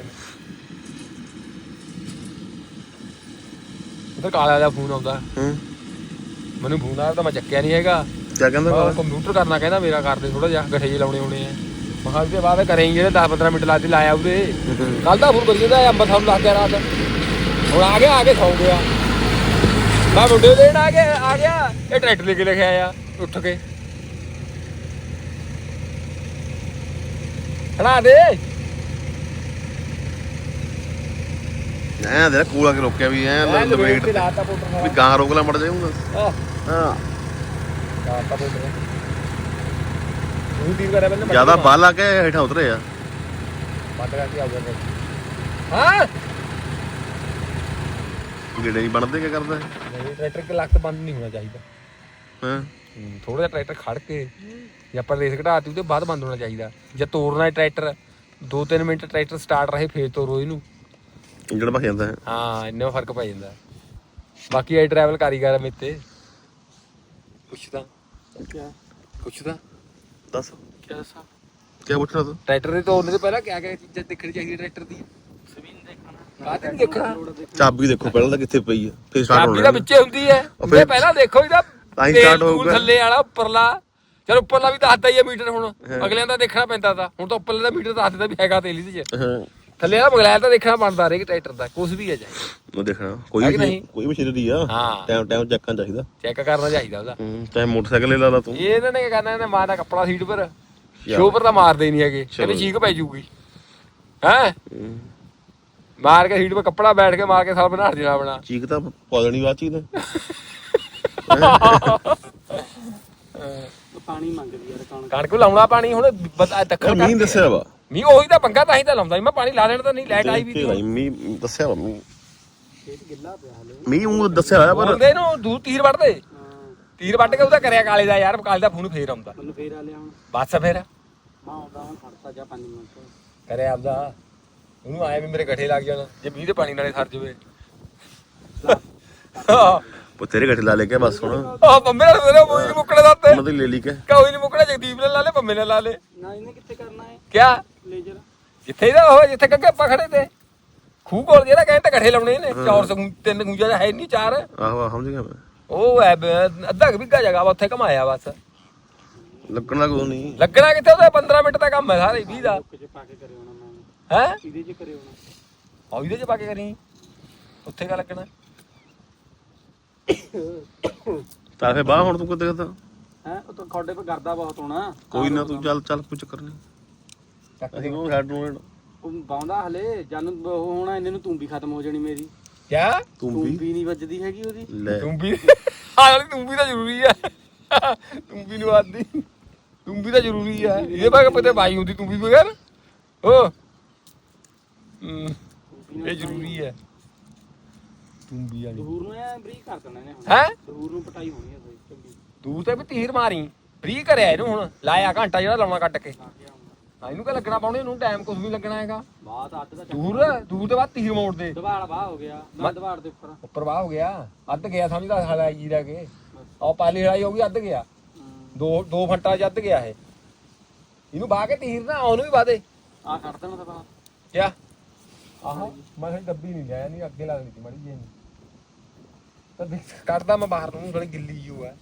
Speaker 2: ਉਧਰ ਕਾਲਾ ਦਾ ਫੋਨ ਆਉਂਦਾ।
Speaker 3: ਹੂੰ
Speaker 2: ਮੈਨੂੰ ਫੋਨ ਆਇਆ ਤਾਂ ਮੈਂ ਚੱਕਿਆ ਨਹੀਂ ਹੈਗਾ।
Speaker 3: ਕਿਆ ਕਹਿੰਦਾ
Speaker 2: ਕੰਪਿਊਟਰ ਕਰਨਾ ਕਹਿੰਦਾ ਮੇਰਾ ਕਰਦੇ ਥੋੜਾ ਜਿਹਾ ਗੱਠੇ ਜਿਹੇ ਲਾਉਣੇ ਹੋਣੇ ਆ। ਮੈਂ ਕਿਹਾ ਉਹਦੇ ਬਾਅਦ ਕਰੇ ਜਿਹੜੇ ਦਸ ਪੰਦਰਾਂ ਮਿੰਟ ਲਾਤੀ ਲਾਇਆ ਉਹਦੇ। ਕੱਲ ਦਾ ਫੋਨ ਕਰੀ ਜਾਂਦਾ ਅੰਬਰ ਸਾਹਿਬ ਲੱਗ ਗਿਆ ਰਾਤ। ਹੁਣ ਆ ਗਿਆ ਆ ਕੇ ਸੌਂ ਗਿਆ। ਮੈਂ ਮੁੰਡੇ ਦੇਣ ਆ ਗਿਆ ਆ ਗਿਆ ਇਹ ਟਰੈਕਟਰ ਲੈ ਕੇ ਲਿਖਿਆ ਆ ਉੱਠ ਕੇ ਖੜਾ ਦੇ।
Speaker 3: ਐਂ ਦੇ ਕੂਲਾ ਕੇ ਰੋਕਿਆ ਵੀ ਐ ਲਪੇਟ
Speaker 2: ਲਾਤਾ ਪੋਟਰ
Speaker 3: ਵੀ ਗਾਂ ਰੋਕ ਲਾ ਮੜ ਜਾਊਗਾ।
Speaker 2: ਹਾਂ
Speaker 3: ਹਾਂ
Speaker 2: ਲਾਤਾ ਪੋਟਰ ਉਹ ਤੀਰ ਕਰਿਆ ਪਹਿਲਾਂ
Speaker 3: ਜਿਆਦਾ ਬਾਹਰ ਲਾ ਕੇ ਹੇਠਾਂ ਉਤਰੇ ਆ
Speaker 2: ਬੰਦ ਕਰਕੇ ਆ ਗਿਆ। ਹਾਂ
Speaker 3: ਗੇੜੇ ਨਹੀਂ ਬਣਦੇ ਕੀ ਕਰਦਾ
Speaker 2: ਨਹੀਂ ਟਰੈਕਟਰ ਕੇ ਲੱਕ ਬੰਦ ਨਹੀਂ ਹੋਣਾ ਚਾਹੀਦਾ।
Speaker 3: ਹਾਂ
Speaker 2: ਥੋੜਾ ਜਿਹਾ ਟਰੈਕਟਰ ਖੜ ਕੇ ਜੇ ਆਪਾਂ ਰੇਸ ਘਟਾਤੀ ਉਹਦੇ ਬਾਅਦ ਬੰਦ ਹੋਣਾ ਚਾਹੀਦਾ। ਜੇ ਤੋੜਨਾ ਹੈ ਟਰੈਕਟਰ ਦੋ ਤਿੰਨ ਮਿੰਟ ਟਰੈਕਟਰ ਸਟਾਰਟ ਰਹੇ ਫੇਰ ਤੋਰੋ ਇਹਨੂੰ।
Speaker 3: ਇੰਜਣ ਭਖ ਜਾਂਦਾ ਹੈ।
Speaker 2: ਹਾਂ ਇੰਨਾ ਫਰਕ ਪੈ ਜਾਂਦਾ। ਬਾਕੀ ਇਹ ਟਰੈਵਲ ਕਾਰੀਗਰ ਮੇਰੇ ਤੇ ਪੁੱਛਦਾ
Speaker 3: ਕਿਆ
Speaker 2: ਪੁੱਛਦਾ
Speaker 3: ਦੱਸ
Speaker 2: ਕਿਆ ਦੱਸਾਂ
Speaker 3: ਕਿਆ ਪੁੱਛਣਾ ਤੂੰ
Speaker 2: ਟਰੈਕਟਰ ਦੇ ਤੋੜਨੇ ਤੋਂ ਪਹਿਲਾਂ ਕਿਆ ਕਿਆ ਚੀਜ਼ਾਂ ਦੇਖਣੀ ਚਾਹੀਦੀ ਟਰੈਕਟਰ ਦੀ। ਸਵੀਨ ਦੇਖਣਾ ਬਾਅਦ ਨਹੀਂ ਦੇਖਣਾ।
Speaker 3: ਚਾਬੀ ਦੇਖੋ ਪਹਿਲਾਂ ਤਾਂ ਕਿੱਥੇ ਪਈ ਆ ਫੇਰ ਸਟਾਰਟ
Speaker 2: ਚਾਬੀ
Speaker 3: ਹੋਣਾ
Speaker 2: ਤਾਂ ਵਿੱਚੇ ਹੁੰਦੀ ਹੈ। ਇਹ ਪਹਿਲਾਂ ਦੇਖੋ ਇਹਦਾ
Speaker 3: ਤਾਂ ਹੀ start ਹੋਊਗਾ।
Speaker 2: ਥੱਲੇ ਵਾਲਾ ਉੱਪਰਲਾ ਚਲ ਉੱਪਰਲਾ ਵੀ ਦੱਸਦਾ ਹੀ ਆ ਮੀਟਰ। ਹੁਣ ਅਗਲਿਆਂ ਦਾ ਦੇਖਣਾ ਪੈਂਦਾ ਤਾ ਹੁਣ ਤਾਂ ਉੱਪਰਲੇ ਦਾ ਮੀਟਰ ਦੱਸ ਦਿੰਦਾ ਵੀ ਹੈਗਾ ਤੇਲ ਇਹਦੇ ਚ।
Speaker 3: ਹਾਂ
Speaker 2: ਥੱਲੇ ਵਾਲਾ ਬਗਲੈਰ ਤਾਂ ਦੇਖਣਾ ਬਣਦਾ ਹਰੇਕ ਟਰੈਕਟਰ ਦਾ ਕੁਝ ਵੀ ਹੈ ਚਾਹੇ
Speaker 3: ਉਹ ਦੇਖਣਾ ਕੋਈ
Speaker 2: ਹੈ ਕਿ
Speaker 3: ਵੀ
Speaker 2: ਨਹੀਂ?
Speaker 3: ਕੋਈ ਮਸ਼ੀਨਰੀ ਆ
Speaker 2: ਹਾਂ
Speaker 3: ਟਾਈਮ ਟਾਈਮ ਚੈੱਕ ਕਰਨਾ ਚਾਹੀਦਾ।
Speaker 2: ਚੈੱਕ ਕਰਨਾ ਚਾਹੀਦਾ ਉਹਦਾ।
Speaker 3: ਹੂੰ ਚਾਹੇ ਮੋਟਰਸਾਈਕਲ ਲੈ ਲਾ ਲਾ ਤੂੰ।
Speaker 2: ਇਹ ਇਹਨਾਂ ਨੇ ਕੀ ਕਰਨਾ ਇਹਨੇ ਮਾਰ ਦਾ ਕੱਪੜਾ ਸੀਟ ਪਰ ਸ਼ੋ ਪਰ ਤਾਂ ਮਾਰਦੇ ਹੀ ਨਹੀਂ ਹੈਗੇ। ਕਹਿੰਦੇ ਚੀਕ ਪੈ ਜੂਗੀ ਹੈ ਮਾਰ ਕੇ ਸੀਟ ਪਰ ਕੱਪੜਾ ਬੈਠ ਕੇ ਮਾਰ ਕੇ ਸਾਲ ਬਣਾ ਦੇਣਾ ਆਪਣਾ।
Speaker 3: ਚੀਕ ਤਾਂ ਪਾ ਦੇਣੀ ਬਾਅਦ ਚੀਜ਼ ਨੇ
Speaker 1: ਪਾਣੀ ਮੰਗਦੀ ਯਾਰ ਕਣਕ।
Speaker 2: ਕਣਕ ਨੂੰ ਲਾਉਣਾ ਪਾਣੀ ਹੁਣ ਦੱਖਣ
Speaker 3: ਮੀਂਹ ਦੱਸਿਆ ਵਾ
Speaker 2: ਮੀਂਹ ਉਹੀ ਤਾਂ ਪੰਗਾ ਤਾਂ ਹੀ ਤਾਂ ਲਾਉਂਦਾ ਮੈਂ ਪਾਣੀ ਲਾ ਲੈਣ ਤਾਂ ਨਹੀਂ ਲਾਈਟ ਆਈ ਵੀ
Speaker 3: ਤੇ ਮੀਂਹ ਦੱਸਿਆ ਵਾ ਮੀਂਹ
Speaker 1: ਖੇਤ ਗਿੱਲਾ ਪਿਆ ਹਲੇ।
Speaker 3: ਮੀਂਹ ਉਹ ਦੱਸਿਆ ਹੋਇਆ ਪਰ
Speaker 2: ਬੋਲਦੇ ਨੂੰ ਦੂਰ ਤੀਰ ਵੱਢਦੇ
Speaker 1: ਹਾਂ
Speaker 2: ਤੀਰ ਵੱਢ ਕੇ ਉਹਦਾ ਕਰਿਆ ਕਾਲੇ ਦਾ ਯਾਰ ਕਾਲੇ ਦਾ ਫੋਨ ਫੇਰ ਆਉਂਦਾ
Speaker 1: ਮੈਨੂੰ ਫੇਰ ਆ ਲਿਆ ਹੁਣ।
Speaker 2: ਬਸ ਫੇਰ
Speaker 1: ਮੈਂ ਆਉਂਦਾ ਹੁਣ ਖੜਤਾ ਜਾ ਪੰਜ ਮਿੰਟ।
Speaker 2: ਕਰਿਆ ਆਪਦਾ ਉਹਨੂੰ ਆਏ ਵੀ ਮੇਰੇ ਗੱਠੇ ਲੱਗ ਜਾਣ ਜੇ ਮੀਂਹ ਦੇ ਪਾਣੀ ਨਾਲੇ ਸਰ ਜਵੇ।
Speaker 3: ਤੇਰੇ ਗੱਠੇ ਲਾ ਲੈ ਕੇ ਬਸ ਹੁਣ
Speaker 2: ਆ ਪੰਮੇ ਨਾਲ ਮੇਰੇ ਮੂੰਹ ਨਹੀਂ ਮੁੱਕਣੇ ਦਾ ਤੇ
Speaker 3: ਉਹਨਾਂ ਦੀ ਲੈ ਲਈ ਕੇ
Speaker 2: ਕੋਈ ਨਹੀਂ ਮੁੱਕਣਾ ਜਗਦੀਪ ਨੇ ਲਾ ਲੇ ਪੰਮੇ ਨੇ ਲਾ ਲੇ।
Speaker 1: ਨਾ ਇਹਨੇ ਕਿੱਥੇ ਕਰਨਾ ਹੈ
Speaker 2: ਕਿਆ
Speaker 1: ਲੇਜ਼ਰ।
Speaker 2: ਜਿੱਥੇ ਇਹਦਾ ਉਹ ਜਿੱਥੇ ਕੱਗੇ ਆਪਾਂ ਖੜੇ ਤੇ ਖੂਹ ਕੋਲ ਜਿਹੜਾ ਕਹਿੰਦੇ ਗੱਠੇ ਲਾਉਣੇ ਨੇ ਚੌਰ ਸਗੂ ਤਿੰਨ ਗੂੰਜਾ ਹੈ ਨਹੀਂ ਚਾਰ।
Speaker 3: ਆਹੋ ਆਹ ਸਮਝ ਗਿਆ ਮੈਂ
Speaker 2: ਉਹ ਹੈ ਅੱਧਾ ਕੁ ਬਿੱਗਾ ਜਗ੍ਹਾ ਵਾ ਉੱਥੇ ਘਮਾਇਆ ਬਸ।
Speaker 3: ਲੱਗਣਾ ਕੋਈ ਨਹੀਂ
Speaker 2: ਲੱਗਣਾ ਕਿੱਥੇ ਉਹਦਾ ਪੰਦਰਾਂ ਮਿੰਟ ਦਾ ਕੰਮ ਹੈ ਸਾਰੇ ਵੀਹ ਦਾ
Speaker 1: ਕੁਝ ਪਾ ਕੇ ਕਰੇ ਹੋਣਾ ਮੈਂ
Speaker 2: ਹੈ
Speaker 1: ਇਹਦੇ ਚ ਕਰੇ ਹੋਣਾ।
Speaker 2: ਆ ਇਹਦੇ ਚ ਪਾ ਕੇ ਕਰੀ ਉੱਥੇ ਕਾ ਲੱਗਣਾ।
Speaker 3: ਤਾਂ ਫੇ ਬਾਹ ਹੁਣ ਤੂੰ ਕਿੱਥੇ ਕਿੱਥੇ
Speaker 1: ਹੈ ਉਹ ਤਾਂ ਖੋਡੇ 'ਤੇ ਗਰਦਾ ਬਹੁਤ ਹੋਣਾ।
Speaker 3: ਕੋਈ ਨਾ ਤੂੰ ਚੱਲ ਚੱਲ ਕੋਈ ਚੱਕਰ ਨਹੀਂ ਅਸੀਂ ਉਹ ਹੈਡ ਨੂੰ
Speaker 1: ਉਹ ਬਾਉਂਦਾ ਹਲੇ ਜਨ ਉਹ ਹੋਣਾ ਇਹਨੇ ਨੂੰ ਤੂੰ ਵੀ ਖਤਮ ਹੋ ਜਾਣੀ ਮੇਰੀ।
Speaker 2: ਕਿਆ
Speaker 3: ਤੂੰ
Speaker 1: ਤੂੰ
Speaker 3: ਵੀ
Speaker 1: ਵੀ ਨਹੀਂ ਵੱਜਦੀ ਹੈਗੀ ਉਹਦੀ।
Speaker 3: ਲੈ
Speaker 2: ਤੂੰ ਵੀ ਆ ਵਾਲੀ ਤੂੰ ਵੀ ਤਾਂ ਜ਼ਰੂਰੀ ਹੈ। ਤੂੰ ਵੀ ਨੂੰ ਆਦੀ ਤੂੰ ਵੀ ਤਾਂ ਜ਼ਰੂਰੀ ਹੈ। ਇਹਦੇ ਬਾਅਦ ਪਤਾ ਬਾਈ ਹੁੰਦੀ ਤੂੰ ਵੀ ਬਗੈਰ ਓ ਇਹ ਜ਼ਰੂਰੀ ਹੈ। ਤੂੰ ਵੀ ਵਾਲੀ
Speaker 1: ਦੂਰ ਨੂੰ ਐ ਬਰੀਕ ਕਰ ਦੇਣਾ ਇਹਨੇ ਹੁਣ।
Speaker 2: ਹੈ
Speaker 1: ਦੂਰ ਨੂੰ ਪਟਾਈ ਹੋਣੀ ਹੈ ਸਹੀ ਚੰਗੀ।
Speaker 2: ਦੂਰ ਤੇ ਵੀ ਤੀਰ ਮਾਰੀ ਫ੍ਰੀ ਕਰਿਆ ਇਹਨੂੰ ਹੁਣ ਲਾਇਆ ਘੰਟਾ ਜਿਹੜਾ ਲਾਉਣਾ ਕੱਟ ਕੇ।
Speaker 1: ਆ ਗਿਆ ਹੁਣ
Speaker 2: ਹਾਂ ਇਹਨੂੰ ਕਿਆ ਲੱਗਣਾ ਪਾਉਣੇ ਇਹਨੂੰ ਟਾਈਮ ਕੁਝ ਵੀ ਲੱਗਣਾ ਹੈਗਾ।
Speaker 1: ਬਾਤ ਅੱਧ ਦਾ
Speaker 2: ਦੂਰ ਦੂਰ ਤੋਂ ਬਾਅਦ ਤੀਰ ਮੋੜ ਦੇ
Speaker 1: ਦਵਾੜ ਬਾਹ ਹੋ ਗਿਆ ਮੈਂ ਦਵਾੜ ਦੇ ਉੱਪਰ।
Speaker 2: ਉੱਪਰ ਵਾਹ ਹੋ ਗਿਆ ਅੱਧ ਗਿਆ ਸਮਝਦਾ ਹਲਾਈ ਜੀ ਰਹਿ ਕੇ ਉਹ ਪਾਲੀ ਹਲਾਈ ਹੋ ਗਈ ਅੱਧ ਗਿਆ ਦੋ ਦੋ ਫੰਟਾ ਚ ਅੱਧ ਗਿਆ ਇਹ। ਇਹਨੂੰ ਬਾਹ ਕੇ ਤੀਰ ਨਾ ਉਹਨੂੰ ਵੀ ਬਾਹ ਦੇ
Speaker 1: ਆ ਕੱਢ ਦੇਣਾ ਤਾਂ ਬਾਹਰ।
Speaker 2: ਕਿਆ ਆਹੋ ਮੈਂ ਕਿਹਾ ਡੱਬੀ ਨਹੀਂ ਲਿਆ ਨਹੀਂ ਅੱਗੇ ਲੱਗਦੀ ਸੀ ਮੜੀ ਜੀ ਤਾਂ ਦੇਖ ਕੱਢਦਾ ਮੈਂ ਬਾਹਰ ਨੂੰ ਥੋੜੀ ਗਿੱਲੀ ਜੀ ਹੋਇਆ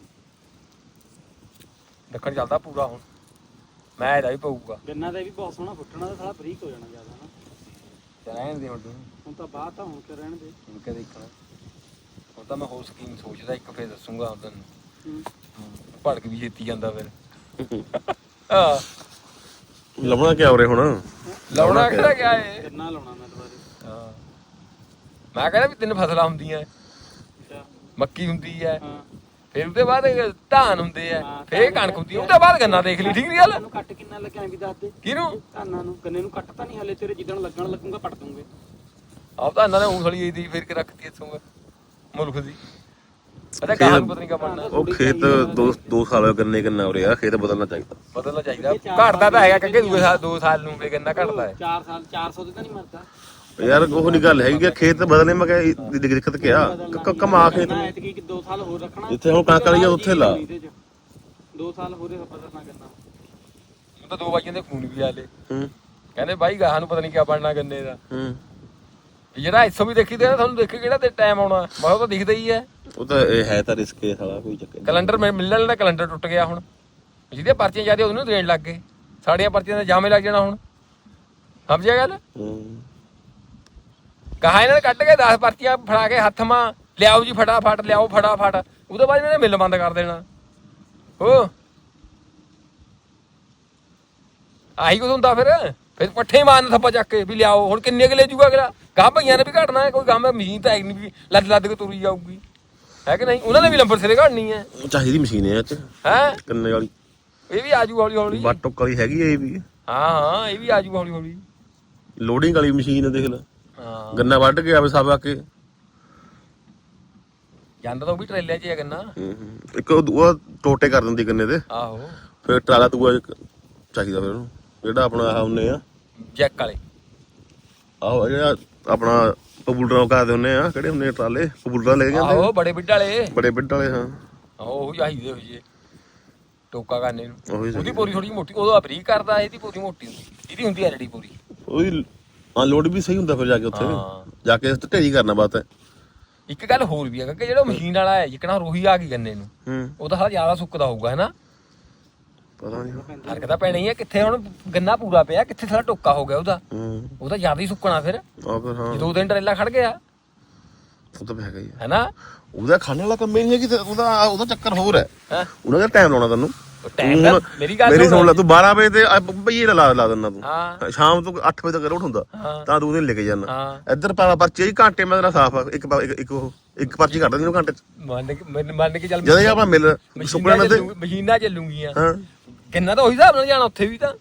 Speaker 2: ਦੱਖਣ ਚੱਲਦਾ ਪੂਰਾ ਹੁਣ ਮੈਂ ਇਹਦਾ ਵੀ ਪਊਗਾ।
Speaker 1: ਗੰਨਾ ਦਾ ਵੀ ਬਹੁਤ ਸੋਹਣਾ ਫੁੱਟਣਾ ਤਾਂ ਸਾਲਾ ਬਰੀਕ ਹੋ ਜਾਣਾ ਜ਼ਿਆਦਾ ਨਾ।
Speaker 2: ਤੇ ਰਹਿਣ ਦੇ ਹੁਣ ਤੂੰ
Speaker 1: ਹੁਣ ਤਾਂ ਬਾਅਦ ਤਾਂ ਹੁਣ ਕੇ ਰਹਿਣ ਦੇ।
Speaker 2: ਹੁਣ ਕਿਆ ਦੇਖਣਾ ਹੁਣ ਤਾਂ ਮੈਂ ਹੋਰ ਸਕੀਮ ਸੋਚਦਾ ਇੱਕ ਫੇਰ ਦੱਸੂਗਾ ਹੁਣ ਤੈਨੂੰ।
Speaker 1: ਹੂੰ
Speaker 2: ਭੜਕ ਵੀ ਛੇਤੀ ਜਾਂਦਾ ਫਿਰ ਹਾਂ
Speaker 3: ਲੱਭਣਾ ਕਿਆ ਉਰੇ ਹੁਣ
Speaker 2: ਲਾਉਣਾ ਕਿਹੜਾ ਗਿਆ ਏ।
Speaker 1: ਗੰਨਾ ਲਾਉਣਾ ਮੈਂ ਦੁਬਾਰੇ।
Speaker 2: ਹਾਂ ਮੈਂ ਕਹਿੰਦਾ ਵੀ ਤਿੰਨ ਫਸਲਾਂ ਹੁੰਦੀਆਂ
Speaker 1: ਅੱਛਾ
Speaker 2: ਮੱਕੀ ਹੁੰਦੀ ਹੈ
Speaker 1: ਹਾਂ
Speaker 2: ਫਿਰ ਉਹਦੇ ਬਾਅਦ ਧਾਨ ਹੁੰਦੇ ਆ
Speaker 1: ਹਾਂ,
Speaker 2: ਫਿਰ ਕਣਕ ਹੁੰਦੀ ਆ ਉਹਦੇ ਬਾਅਦ ਗੰਨਾ ਦੇਖ ਲਈ ਠੀਕ ਨਹੀਂ ਗੱਲ।
Speaker 1: ਇਹਨੂੰ ਕੱਟ ਕਿੰਨਾ ਲੱਗਿਆ ਵੀ ਦੱਸ ਦੇ।
Speaker 2: ਕਿਹਨੂੰ
Speaker 1: ਧਾਨਾਂ ਨੂੰ ਗੰਨੇ ਨੂੰ ਕੱਟ ਤਾਂ ਨਹੀਂ ਹਲੇ ਤੇਰੇ ਜਿੱਦਣ ਲੱਗਣ ਲੱਗੂਗਾ ਪੱਟ ਦੂੰਗੇ।
Speaker 2: ਆਪ ਤਾਂ ਇਹਨਾਂ ਨੇ ਉਂਗਲੀ ਦੀ ਫੇਰ ਕੇ ਰੱਖਤੀ ਇਥੋਂ ਮੁਲਕ ਦੀ ਪਤਾ ਗਾਹਾਂ ਨੂੰ ਪਤਾ ਨਹੀਂ ਕਾ ਬਣਨਾ
Speaker 3: ਉਹ ਖੇਤ ਦੋ ਦੋ ਸਾਲ ਹੋਏ ਗੰਨੇ ਗੰਨਾ ਹੋ ਰਿਹਾ ਖੇਤ ਬਦਲਣਾ ਚਾਹੀਦਾ
Speaker 2: ਬਦਲਣਾ ਚਾਹੀਦਾ ਘਟਦਾ ਤਾਂ ਹੈਗਾ ਕਿ ਦੂਏ ਸਾਲ ਦੋ ਸਾਲ ਨੂੰ ਵੀ ਗੰਨਾ ਘਟਦਾ ਹੈ
Speaker 1: ਚਾਰ ਸਾਲ ਚਾਰ ਸੌ ਦੇ ਤਾਂ ਨਹੀਂ ਮਰਦਾ
Speaker 3: ਯਾਰ ਉਹ ਨਹੀਂ ਗੱਲ ਹੈਗੀ ਕਿ ਖੇਤ ਬਦਲਣੇ ਮੈਂ ਕਿਹਾ ਦਿੱਕਤ ਕਿਆ ਕ- ਕਮਾ ਖੇਤ ਨੂੰ।
Speaker 1: ਐਤਕੀ ਦੋ ਸਾਲ ਹੋਰ ਰੱਖਣਾ
Speaker 3: ਜਿੱਥੇ ਹੁਣ ਕਣਕ ਵਾਲੀ ਆ ਉੱਥੇ ਲਾ
Speaker 1: ਦੋ ਸਾਲ ਹੋਰ ਬਦਲਣਾ ਕਰਨਾ
Speaker 2: ਉਹ ਤਾਂ ਦੋ ਬਾਈਆਂ ਦੇ ਫੋਨ ਵੀ ਆਲੇ
Speaker 3: ਹੂੰ
Speaker 2: ਕਹਿੰਦੇ ਬਾਈ ਗਾਹਾਂ ਨੂੰ ਪਤਾ ਨਹੀਂ ਕਿਆ ਬਣਨਾ ਗੰਨੇ ਦਾ
Speaker 3: ਹੂੰ
Speaker 2: ਵੀ ਜਿਹੜਾ ਇੱਥੋਂ ਵੀ ਦੇਖੀ ਤੇ ਤੁਹਾਨੂੰ ਦੇਖੇ ਕਿਹੜਾ ਤੇ ਟਾਈਮ ਆਉਣਾ ਮੈਂ ਕਿਹਾ ਉਹ ਤਾਂ ਦਿਖਦਾ ਹੀ ਹੈ
Speaker 3: ਉਹ ਤਾਂ ਇਹ ਹੈ ਤਾਂ ਰਿਸਕ ਹੈ ਸਾਲਾ ਕੋਈ ਚੱਕਰ ਨਹੀਂ।
Speaker 2: ਕੈਲੰਡਰ ਮਿਲਣ ਵਾਲਾ ਕੈਲੰਡਰ ਟੁੱਟ ਗਿਆ ਹੁਣ ਜਿਹਦੇ ਪਰਚੀਆਂ ਜ਼ਿਆਦਾ ਉਹਨੂੰ ਦੇਣ ਲੱਗ ਗਏ ਸਾਡੀਆਂ ਪਰਚੀਆਂ ਦਾ ਜਾਮੇ ਲੱਗ ਜਾਣਾ ਹੁਣ ਸਮਝਿਆ ਗੱਲ
Speaker 3: ਹੂੰ
Speaker 2: ਕਹਾ ਇਹਨਾਂ ਨੇ ਕੱਢ ਕੇ ਦਸ ਪਰਚੀਆਂ ਫੜਾ ਕੇ ਹੱਥ ਮਾਂ ਲਿਆਓ ਜੀ ਫਟਾਫਟ ਲਿਆਓ ਫਟਾਫਟ ਉਹਦੇ ਬਾਅਦ ਇਹਨਾਂ ਨੇ ਮਿਲ ਬੰਦ ਕਰ ਦੇਣਾ ਹੋ ਆਹੀ ਕੁਝ ਹੁੰਦਾ ਫਿਰ ਫਿਰ ਪੱਠੇ ਮਾਰਨ ਥੱਪਾ ਚੱਕ ਕੇ ਵੀ ਲਿਆਓ ਹੁਣ ਕਿੰਨੇ ਕੁ ਲੈ ਜੂਗਾ ਅਗਲਾ ਗਾਹ ਭਈਆਂ ਨੇ ਵੀ ਘਟਣਾ ਹੈ ਕੋਈ ਗਾਹ ਮਸ਼ੀਨ ਤਾਂ ਹੈ ਨਹੀਂ ਵੀ ਲੱਦ ਲੱਦ ਕੇ ਤੁਰੀ ਜਾਊਗੀ ਹੈ ਕਿ ਨਹੀਂ ਉਹਨਾਂ ਨੇ ਵੀ ਲੰਬਰ ਸਿਰੇ ਘੜਨੀ ਹੈ
Speaker 3: ਉਹ ਚਾਹੀਦੀ ਮਸ਼ੀਨ ਹੈ ਇਹ ਚ
Speaker 2: ਹੈ
Speaker 3: ਗੰਨੇ ਵਾਲੀ
Speaker 2: ਇਹ ਵੀ ਆਜੂ ਹੌਲੀ ਹੌਲੀ
Speaker 3: ਬੱਟ ਟੁੱਕ ਵਾਲੀ ਹੈਗੀ ਹੈ ਇਹ ਵੀ
Speaker 2: ਹਾਂ ਹਾਂ ਇਹ ਵੀ ਆਜੂ ਹੌਲੀ ਹੌਲੀ
Speaker 3: ਲੋਡਿੰਗ ਵਾਲੀ ਮਸ਼ੀਨ ਹੈ ਦੇਖ ਲੈ
Speaker 2: ਹਾਂ
Speaker 3: ਗੰਨਾ ਵੱਢ ਕੇ ਆਵੇ ਸਭ ਆ ਕੇ
Speaker 2: ਜਾਂਦਾ ਤਾਂ ਉਹ ਵੀ ਟਰੇਲਿਆਂ 'ਚ ਹੀ ਆ ਗੰਨਾ
Speaker 3: ਹੂੰ, ਹੂੰ। ਇੱਕ ਉਹ ਦੂਆ ਟੋਟੇ ਕਰ ਦਿੰਦੀ ਗੰਨੇ ਦੇ
Speaker 2: ਆਹੋ
Speaker 3: ਫਿਰ ਟਰਾਲਾ ਦੂਆ ਇੱਕ ਚਾਹੀਦਾ ਫਿਰ ਉਹਨੂੰ ਜਿਹੜਾ ਆਪਣਾ ਆਹ ਹੁੰਨੇ ਆ
Speaker 2: ਜੈਕ ਵਾਲੇ
Speaker 3: ਆਹੋ ਜਿਹੜਾ ਆਪਣਾ ਪਬੂਲਰਾਂ ਕਰਦੇ ਹੁੰਨੇ ਆ ਕਿਹੜੇ ਹੁੰਨੇ ਆ ਟਰਾਲੇ ਪਬੂਲਰਾਂ ਲੈ ਕੇ ਜਾਂਦੇ
Speaker 2: ਆਹੋ ਬੜੇ ਬਿੱਡ ਵਾਲੇ
Speaker 3: ਬੜੇ ਬਿੱਡ ਵਾਲੇ ਹਾਂ
Speaker 2: ਆਹੋ ਉਹ ਚਾਹੀਦੇ ਹੋ ਜੀ ਟੋਕਾ ਕਰਨੇ ਨੂੰ
Speaker 3: ਉਹੀ
Speaker 2: ਉਹਦੀ
Speaker 3: ਸਹੀ।
Speaker 2: ਪੂਰੀ ਥੋੜੀ ਮੋਟੀ ਉਹਦਾ ਬਰੀਕ ਕਰਦਾ ਇਹਦੀ ਪੂਰੀ ਮੋਟੀ ਹੁੰਦੀ ਇਹਦੀ ਹੁੰਦੀ ਐਲਡੀ ਪੂਰੀ
Speaker 3: ਉਹਦੀ ਅਨਲੋਡ ਵੀ ਸਹੀ ਹੁੰਦਾ ਫਿਰ ਜਾ ਕੇ ਉੱਥੇ
Speaker 2: ਹਾਂ।
Speaker 3: ਜਾ ਕੇ ਢੇਰੀ ਕਰਨਾ ਬਾਤ ਹੈ
Speaker 2: ਇੱਕ ਗੱਲ ਹੋਰ ਵੀ ਹੈ ਕਿ ਜਿਹੜਾ ਮਸ਼ੀਨ ਵਾਲਾ ਹੈ ਜਿਕਣਾ ਰੋਹੀ ਆ ਗਈ ਗੰਨੇ ਨੂੰ
Speaker 3: ਹੂੰ
Speaker 2: ਉਹਦਾ ਸਾਲਾ ਜ਼ਿਆਦਾ ਸੁੱਕਦਾ ਹੋਊਗਾ ਹੈਨਾ
Speaker 3: ਪਤਾ ਨਹੀਂ
Speaker 2: ਫਰਕ ਤਾਂ ਪੈਣਾ ਹੀ ਹੈ ਕਿੱਥੇ ਹੁਣ ਗੰਨਾ ਪੂਰਾ ਪਿਆ ਕਿੱਥੇ ਸਾਲਾ ਟੋਕਾ ਹੋ ਗਿਆ ਉਹਦਾ
Speaker 3: ਹੂੰ
Speaker 2: ਉਹਦਾ ਜ਼ਿਆਦਾ ਹੀ ਸੁੱਕਣਾ ਫਿਰ
Speaker 3: ਆ ਫਿਰ ਹਾਂ
Speaker 2: ਜੇ ਦੋ ਦਿਨ ਟਰੇਲਾ ਖੜ ਗਿਆ
Speaker 3: ਉਹ ਤਾਂ ਹੈਗਾ ਹੀ ਆ।
Speaker 2: ਹੈਨਾ
Speaker 3: ਉਹਦਾ ਖਾਣੇ ਵਾਲਾ ਕੰਮ ਹੀ ਨਹੀਂ ਹੈ ਕਿ ਉਹਦਾ ਉਹਦਾ ਚੱਕਰ ਹੋਰ ਹੈ
Speaker 2: ਹੈਂ?
Speaker 3: ਉਹਨਾਂ ਦਾ ਟਾਈਮ ਲਾਉਣਾ ਤੈਨੂੰ
Speaker 2: ਟਾਈਮ ਦਾ
Speaker 3: ਹੁਣ
Speaker 2: ਮੇਰੀ ਗੱਲ
Speaker 3: ਮੇਰੀ ਸੁਣ ਲੈ ਤੂੰ ਬਾਰਾਂ ਵਜੇ ਤੇ ਭਈਏ ਲਾ ਲਾ ਦਿੰਦਾ ਤੂੰ
Speaker 2: ਹਾਂ
Speaker 3: ਸ਼ਾਮ ਤੋਂ ਅੱਠ ਵਜੇ ਤੱਕ ਰੋਟ ਹੁੰਦਾ
Speaker 2: ਹਾਂ
Speaker 3: ਤਾਂ ਤੂੰ ਉਹਦੇ ਲੈ ਕੇ ਜਾਣਾ
Speaker 2: ਹਾਂ
Speaker 3: ਇੱਧਰ ਪਾ ਪਰਚੀ ਹੀ ਘੰਟੇ ਮੈਂ ਤੇਰਾ ਸਾਫ ਆ ਇੱਕ ਪਾ- ਇੱਕ ਇੱਕ ਉਹ ਇੱਕ ਪਰਚੀ ਕੱਢ ਦਿੰਦੀ ਉਹ ਘੰਟੇ ਚ
Speaker 2: ਮੰਨ ਕੇ ਮੰਨ- ਮੰਨ ਕੇ ਚੱਲ
Speaker 3: ਜਦੋਂ ਇਹ ਆਪਣਾ ਮਿਲ ਸੁੱਕਣਾ
Speaker 2: ਮਸ਼ੀਨਾਂ
Speaker 3: ਨਾ ਤੇ
Speaker 2: ਚੱਲੂ- ਮਸ਼ੀਨਾਂ ਚੱਲੂਗੀਆਂ
Speaker 3: ਹਾਂ
Speaker 2: ਕਿੰਨਾ ਤਾਂ ਉਹੀ ਹਿਸਾਬ ਨਾਲ ਜਾਣਾ ਉੱਥੇ ਵੀ ਤਾਂ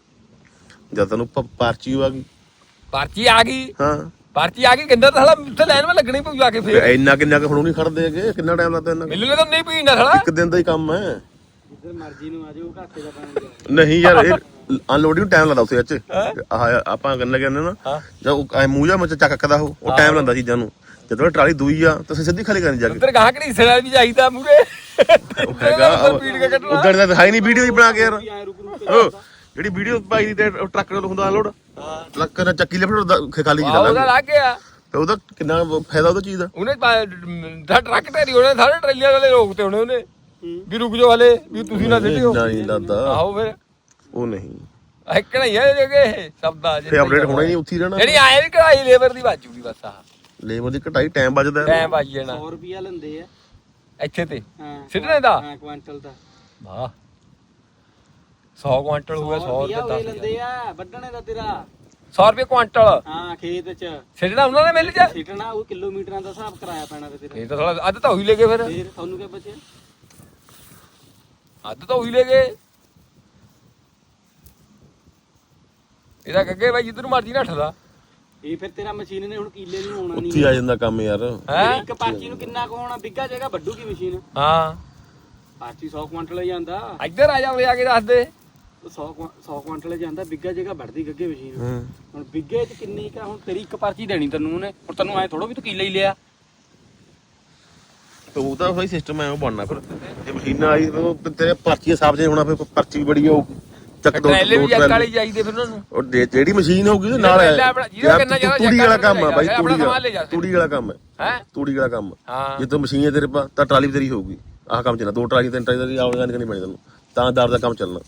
Speaker 3: ਜਦ ਤੈਨੂੰ ਪ- ਪਰਚੀ ਆ ਗਈ
Speaker 2: ਪਰਚੀ ਆ ਗਈ
Speaker 3: ਹਾਂ
Speaker 2: ਪਰਚੀ ਆ ਗਈ ਕਿੰਨਾ ਤਾਂ ਸਾਲਾ ਉੱਥੇ ਲਾਈਨ ਵਿੱਚ ਲੱਗਣੀ ਪਊ ਜਾ ਕੇ
Speaker 3: ਫਿਰ
Speaker 2: ਫੇਰ
Speaker 3: ਇੰਨਾ ਕਿੰਨਾ ਕੁ ਹੁਣ ਨਹੀਂ ਖੜਦੇ ਹੈਗੇ ਕਿੰਨਾ ਟਾਈਮ ਲੱਗਦਾ ਇਹਨਾਂ
Speaker 2: ਮਿਲਣੇ ਤਾਂ ਨਹੀਂ ਪੀਣਾ ਸਾਲਾ
Speaker 3: ਇੱਕ ਦਿਨ ਦਾ ਹੀ ਕੰਮ ਹੈ
Speaker 1: ਜਿੱਧਰ ਮਰਜ਼ੀ ਨੂੰ ਆ ਜਾਓ ਘਾਟੇ ਦਾ ਪਾਣੀ
Speaker 3: ਨਹੀਂ ਯਾਰ ਇਹ ਅਨਲੋਡਿੰਗ ਟਾਈਮ ਲੱਗਦਾ ਉੱਥੇ ਅੱਛ ਆਹ ਆਪਾਂ ਗੰਨਾ ਕਹਿੰਦੇ ਨਾ
Speaker 2: ਹਾਂ
Speaker 3: ਜਦ ਐ ਮੂੰਹ ਜਾ ਮੱਚ ਚੱਕਦਾ ਉਹ ਉਹ ਟਾਈਮ ਲੈਂਦਾ ਚੀਜ਼ਾਂ ਨੂੰ ਜਦੋਂ ਟਰਾਲੀ ਦੂਈ ਆ ਤਾਂ ਸਿੱਧੀ ਖਾਲੀ ਕਰਨੀ ਜਾ ਕੇ
Speaker 2: ਉੱਧਰ ਗਾਹ ਘੜੀਸੇ ਨਾਲ ਵੀ ਜਾਈਦਾ ਮੂਰੇ
Speaker 3: ਉਹ ਹੈਗਾ
Speaker 2: ਪੀੜ ਕੇ ਕੱਢਣਾ
Speaker 3: ਉਦੋਂ ਦਾ ਦਿਖਾਈ ਨਹੀਂ ਵੀਡੀਓ ਹੀ ਬਣਾ ਕੇ ਯਾਰ
Speaker 1: ਐ ਰੁਕ ਰੁਕ
Speaker 3: ਉਹ ਜਿਹੜੀ ਵੀਡੀਓ ਪਾਈ ਦੀ ਤੇ ਟਰੱਕ ਨਾਲ ਹੁੰਦਾ ਅਨਲੋਡ
Speaker 2: ਹਾਂ
Speaker 3: ਟਰੱਕ ਨਾਲ ਚੱਕੀ ਲਿਫਟ ਖਾਲੀ
Speaker 2: ਆਹ ਉਹਦਾ
Speaker 3: ਜਿਹਾ
Speaker 2: ਲੱਗ ਗਿਆ
Speaker 3: ਤੇ ਉਹਦਾ ਕਿੰਨਾ ਫਾਇਦਾ ਉਹਦਾ ਚੀਜ਼ ਦਾ
Speaker 2: ਉਹਨੇ ਦਾ ਟਰੱਕ ਢੇਰੀ ਉਹਨੇ ਸਾਰੇ ਟਰੇਲੀਆਂ ਵਾਲੇ ਰੋਕਤੇ ਉਹਨੇ ਉਹਨੇ ਵੀ ਰੁਕ ਜਾਓ ਹਲੇ ਵੀ ਤੁਸੀਂ ਨਾ ਸਿੱਟਿਓ
Speaker 3: ਨਹੀਂ ਲੱਗਦਾ
Speaker 2: ਆਹੋ ਫਿਰ
Speaker 3: ਉਹ ਨਹੀਂ
Speaker 2: ਇੱਕ ਨਹੀਂ ਹੈ ਜਗੇ ਸ਼ਬਦਾ
Speaker 3: ਫੇ ਅਪਡੇਟ ਹੋਣਾ ਹੀ ਨਹੀਂ ਉੱਥੇ ਹੀ ਰਹਿਣਾ
Speaker 2: ਜਿਹੜੀ ਆਏ ਵੀ ਕਢਾਈ ਲੇਬਰ ਦੀ ਬਾਜੂਗੀ ਬਸ ਆਹ
Speaker 3: ਲੇਬਰ ਦੀ ਘਟਾਈ ਟਾਈਮ ਬਚਦਾ
Speaker 2: ਟਾਈਮ ਬਾਜੀ ਜਾਣਾ
Speaker 1: ਸੌ ਰੁਪਿਆ ਲੈਂਦੇ ਆ
Speaker 2: ਇੱਥੇ ਤੇ
Speaker 1: ਹਾਂ
Speaker 2: ਸਿੱਟਣੇ ਦਾ
Speaker 1: ਹਾਂ ਕੁਆਂਟਲ ਦਾ
Speaker 2: ਵਾਹ ਸੌ ਕੁਆਂਟਲ ਹੋਊਗਾ ਸੌ
Speaker 1: ਰੁਪਿਆ
Speaker 2: ਰੁਪਏ
Speaker 1: ਉਹ
Speaker 2: ਦਸ
Speaker 1: ਲੈਂਦੇ ਆ ਵੱਢਣੇ ਦਾ ਤੇਰਾ
Speaker 2: ਸੌ ਰੁਪਏ ਕੁਆਂਟਲ
Speaker 1: ਹਾਂ ਖੇਤ ਚ
Speaker 2: ਸਿੱਟਣਾ ਉਹਨਾਂ ਨੇ ਮਿਲ ਜਾ
Speaker 1: ਸਿੱਟਣਾ ਉਹ ਕਿਲੋਮੀਟਰਾਂ ਦਾ ਹਿਸਾਬ ਕਰਾਇਆ ਪੈਣਾ ਤੇ ਤੇਰਾ
Speaker 2: ਇਹ ਤਾਂ ਥੋੜਾ ਅੱਧ ਤਾਂ ਉਹੀ ਲੈ ਗਏ ਫਿਰ
Speaker 1: ਫੇਰ ਤੁਹਾਨੂੰ ਕੀ ਬਚਿਆ
Speaker 2: ਅੱਧ ਤਾਂ ਉਹੀ ਲੈ ਗਏ ਇਹਦਾ ਕੱਗੇ ਬਾਈ ਜਿੱਧਰ ਮਰਜੀ ਨੱਠਦਾ
Speaker 1: ਇਹ ਫਿਰ ਤੇਰਾ ਮਸ਼ੀਨ ਨੇ ਹੁਣ ਕੀਲੇ ਨੂੰ ਆਉਣਾ
Speaker 3: ਉੱਥੇ ਹੀ
Speaker 1: ਨਹੀਂ
Speaker 3: ਆ ਜਾਂਦਾ ਕੰਮ ਯਾਰ
Speaker 2: ਹੈ
Speaker 1: ਇੱਕ ਪਾਰਚੀ ਨੂੰ ਕਿੰਨਾ ਕੁ ਹੋਣਾ ਬਿੱਗਾ ਜਗ੍ਹਾ ਵੱਡੂਗੀ ਮਸ਼ੀਨ
Speaker 2: ਹਾਂ
Speaker 1: ਪਾਰਚੀ ਸੌ ਕੁਆਂਟਲ ਹੀ ਜਾਂਦਾ
Speaker 2: ਇੱਧਰ ਆ ਜਾ ਉਰੇ ਆ ਕੇ ਦੱਸ ਦੇ
Speaker 1: ਸੌ ਸੌ ਕੁਆਂਟਲ ਜਾਂਦਾ ਬਿੱਗਾ ਜਗ੍ਹਾ ਵੱਢਦੀ ਗੱਗੇ ਮਸ਼ੀਨ
Speaker 3: ਹੂੰ
Speaker 1: ਹੁਣ ਬਿੱਗੇ ਚ ਕਿੰਨੀ ਕਾ ਹੁਣ ਤੇਰੀ ਇੱਕ ਪਰਚੀ ਦੇਣੀ ਤੈਨੂੰ ਉਹਨੇ ਹੁਣ ਤੈਨੂੰ ਐ ਥੋੜੋ ਵੀ ਤੂੰ ਕੀਲਾ ਹੀ ਲਿਆ
Speaker 3: ਤੇ ਉਹਦਾ ਸਹੀ ਸਿਸਟਮ ਐ ਉਹ ਬਣਨਾ ਫਿਰ ਜੇ ਮਸ਼ੀਨਾਂ ਆਈ ਤਾਂ ਉਹ ਤੇਰੇ ਪਰਚੀ ਹਿਸਾਬ ਜੇ ਹੋਣਾ ਫਿਰ ਪਰਚੀ ਬੜੀ ਹੋਊਗੀ ਚੱਕ ਦੋ
Speaker 2: ਟਰੇਲੇ ਵੀ
Speaker 3: ਦੋ
Speaker 2: ਜੱਕ
Speaker 3: ਟਰਾਲੀ।
Speaker 2: ਵਾਲੀ ਚਾਹੀਦੇ ਫਿਰ ਉਹਨਾਂ ਨੂੰ
Speaker 3: ਉਹ ਜੇ- ਜਿਹੜੀ ਮਸ਼ੀਨ ਹੋਊਗੀ ਉਹਦੇ ਨਾਲ
Speaker 2: ਟਰੇਲਾ ਆਪਣਾ- ਜਿਹਦਾ ਕਿੰਨਾ ਜ਼ਿਆਦਾ
Speaker 3: ਤੂੜੀ ਵਾਲਾ ਕੰਮ ਆ ਬਾਈ
Speaker 2: ਆਪਣਾ
Speaker 3: ਤੂੜੀ
Speaker 2: ਸਮਾਨ ਲੈ ਜਾ
Speaker 3: ਵਾਲਾ ਤੂੜੀ ਵਾਲਾ ਕੰਮ ਹੈ
Speaker 2: ਹੈ
Speaker 3: ਤੂੜੀ ਵਾਲਾ ਕੰਮ
Speaker 2: ਹਾਂ
Speaker 3: ਜੇ ਤੂੰ ਮਸ਼ੀਨ ਹੈ ਤੇਰੇ ਪਾ ਤਾਂ ਟਰਾਲੀ ਵੀ ਤੇਰੀ ਹੋਊਗੀ ਆਹ ਕੰਮ ਚੱਲਣਾ ਦੋ ਟਰਾਲੀ ਤਿੰਨ ਟਰਾਲੀ ਦੀ ਆਉਣ ਜਾਣ ਕਰਨੀ ਪੈਣੀ ਤੈਨੂੰ ਤਾਂ ਦਰ ਦਾ ਕੰਮ ਚੱਲਣਾ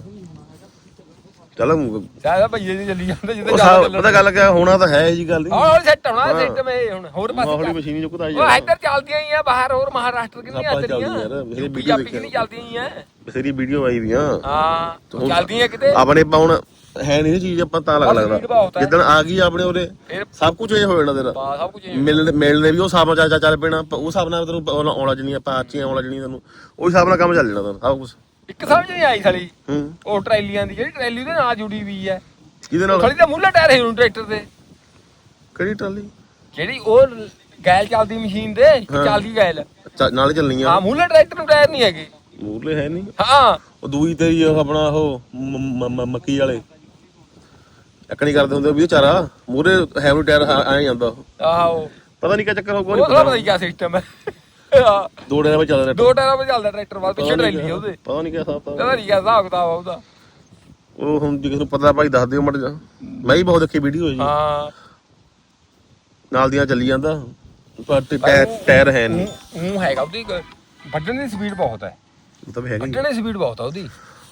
Speaker 3: ਚੱਲ
Speaker 2: ਸਾਰਾ ਭਈਏ ਦੀ ਚੱਲੀ ਜਾਂਦੇ ਜਿੱਦੇ
Speaker 3: ਉਹ
Speaker 2: ਜ਼ਿਆਦਾ
Speaker 3: ਸਾ-
Speaker 2: ਚੱਲਣ
Speaker 3: ਪਤਾ ਗੱਲ ਕਿਆ ਹੋਣਾ ਤਾਂ ਹੈ ਇਹ ਜੀ ਗੱਲ ਨਹੀਂ
Speaker 2: ਹੌਲੀ ਹੌਲੀ ਸੈੱਟ ਹੋਣਾ ਸਿਸਟਮ ਇਹ ਹੁਣ ਹੋਰ
Speaker 3: ਮਾਹੌਲੀ
Speaker 2: ਪਾਸੇ
Speaker 3: ਮਸ਼ੀਨ ਜੋ ਕੁਦਾ
Speaker 2: ਉਹ ਇੱਧਰ ਚੱਲਦੀਆਂ ਹੀ ਆ ਬਾਹਰ ਹੋਰ ਮਹਾਰਾਸ਼ਟਰ ਕਿੰਨੀਆਂ
Speaker 3: ਆਪਾਂ
Speaker 2: ਚੱਲਦੀਆਂ
Speaker 3: ਚੱਲਦੀਆਂ ਯਾਰ, ਮੇਰੇ
Speaker 2: ਯੂਪੀ
Speaker 3: ਵੀਡੀਓ
Speaker 2: ਜਾਪੀ ਕਿੰਨੀ ਚੱਲਦੀਆਂ ਹੀ ਆ
Speaker 3: ਬਥੇਰੀ ਵੀਡੀਓ ਆਈ ਵੀਆਂ
Speaker 2: ਹਾਂ ਉਹ ਚੱਲਦੀਆਂ ਕਿਤੇ
Speaker 3: ਆਪਣੇ ਪਾਉਣ ਹੈ ਨਹੀਂ ਚੀਜ਼ ਆਪਾਂ ਤਾਂ ਲੱਗ
Speaker 2: ਬਸ speed ਬਹੁਤ
Speaker 3: ਲੱਗਦਾ
Speaker 2: ਹੈ।
Speaker 3: ਜਿੱਦਣ ਆ ਗਈ ਆਪਣੇ ਉਰੇ
Speaker 2: ਫਿਰ
Speaker 3: ਸਭ ਕੁਝ ਇਹ ਹੋ ਜਾਣਾ ਤੇਰਾ
Speaker 2: ਬਾ ਸਭ ਕੁਝ
Speaker 3: ਮਿਲਣ ਮਿਲਣੇ ਵੀ ਉਹ ਹਿਸਾਬ ਨਾਲ ਚੱਲ ਚੱਲ ਪੈਣਾ ਉਹ ਹਿਸਾਬ ਨਾਲ ਤੈਨੂੰ ਆਉਣਾ ਜਣੀਆਂ ਪਾਚੀਆਂ ਆਉਣਾ ਜਣੀਆਂ ਤੈਨੂੰ ਉਹ ਹਿਸਾਬ ਨਾਲ ਕੰਮ ਚੱਲ ਜਾਣਾ ਤੈਨੂੰ ਸਭ ਕੁਝ
Speaker 2: ਇੱਕ ਸਮਝ ਨਹੀਂ ਆਈ ਸਾਲੀ
Speaker 3: ਹੂੰ
Speaker 2: ਉਹ ਟਰੈਲੀਆਂ ਦੀ ਜਿਹੜੀ ਟਰੈਲੀ ਦੇ ਨਾਲ ਜੁੜੀ ਵੀ ਹੈ
Speaker 3: ਕਿਹਦੇ ਨਾਲ
Speaker 2: ਥੋੜੀ ਤਾਂ ਮੁੱਲਾ ਟਾਇਰ ਹੈ ਹੁਣ ਟਰੈਕਟਰ ਦੇ
Speaker 3: ਕਿਹੜੀ ਟਰਾਲੀ
Speaker 2: ਜਿਹੜੀ ਉਹ ਗੈਲ ਚੱਲਦੀ ਮਸ਼ੀਨ ਦੇ ਚੱਲਦੀ ਗੈਲ
Speaker 3: ਚ- ਨਾਲ ਹੀ ਚੱਲਣੀ ਆ
Speaker 2: ਹਾਂ ਮੂਲੇ ਟਰੈਕਟਰ ਨੂੰ ਟਾਇਰ ਨਹੀਂ ਹੈਗੇ
Speaker 3: ਮੂਰਲੇ ਹੈ ਨਹੀਂ
Speaker 2: ਹਾਂ
Speaker 3: ਉਹ ਦੂਈ ਤੇਰੀ ਉਹ ਆਪਣਾ ਉਹ ਮ- ਮ- ਮ- ਮੱਕੀ ਵਾਲੇ ਇੱਕ ਨਹੀਂ ਕਰਦੇ ਹੁੰਦੇ ਵੀ ਚਾਰਾ ਮੂਰੇ ਹੈਵੀ ਟਾਇਰ ਆ ਜਾਂਦਾ ਉਹ
Speaker 2: ਆਹੋ
Speaker 3: ਪਤਾ ਨਹੀਂ ਕੀ ਚੱਕਰ ਹੋਊਗਾ
Speaker 2: ਉਹ
Speaker 3: ਨਹੀਂ
Speaker 2: ਥੋੜਾ
Speaker 3: ਪਤਾ
Speaker 2: ਪਤਾ ਕੀ ਸਿਸਟਮ ਹੈ ਹਾਂ,
Speaker 3: ਦੋ ਟਾਇਰਾਂ ਵਿੱਚ ਚੱਲ ਰਿਹਾ
Speaker 2: ਦੋ ਟਾਇਰਾਂ 'ਤੇ ਚੱਲਦਾ ਟਰੈਕਟਰ ਬਾਅਦ ਪਿੱਛੇ ਟਰੈਲੀ ਆ ਉਹਦੇ
Speaker 3: ਪਤਾ ਨਹੀਂ ਕੀ ਹਿਸਾਬ
Speaker 2: ਪਤਾ ਨਹੀਂ ਕਿਆ ਹਿਸਾਬ ਕਿਤਾਬ ਆ ਉਹਦਾ
Speaker 3: ਉਹ ਹੁਣ ਜੇ ਕਿਸੇ ਨੂੰ ਪਤਾ ਭਾਈ ਦੱਸ ਦਿਓ ਮੜ ਜਾ ਮੈਂ ਵੀ ਬਹੁਤ ਦੇਖੀ ਵੀਡੀਓ ਜੀ
Speaker 2: ਹਾਂ
Speaker 3: ਨਾਲ ਦੀਆਂ ਚੱਲੀ ਜਾਂਦਾ ਪਰ ਤੇ ਟਾਇਰ ਟਾਇਰ ਹੈ ਨਹੀਂ
Speaker 2: ਉਹ ਹੈਗਾ ਉਹਦੀ ਇੱਕ ਵੱਢਣ ਦੀ ਸਪੀਡ ਬਹੁਤ ਹੈ
Speaker 3: ਉਹ ਤਾਂ ਹੈਗਾ ਹੀ
Speaker 2: ਵੱਢਣ ਦੀ ਸਪੀਡ ਬਹੁਤ ਆ ਉਹਦੀ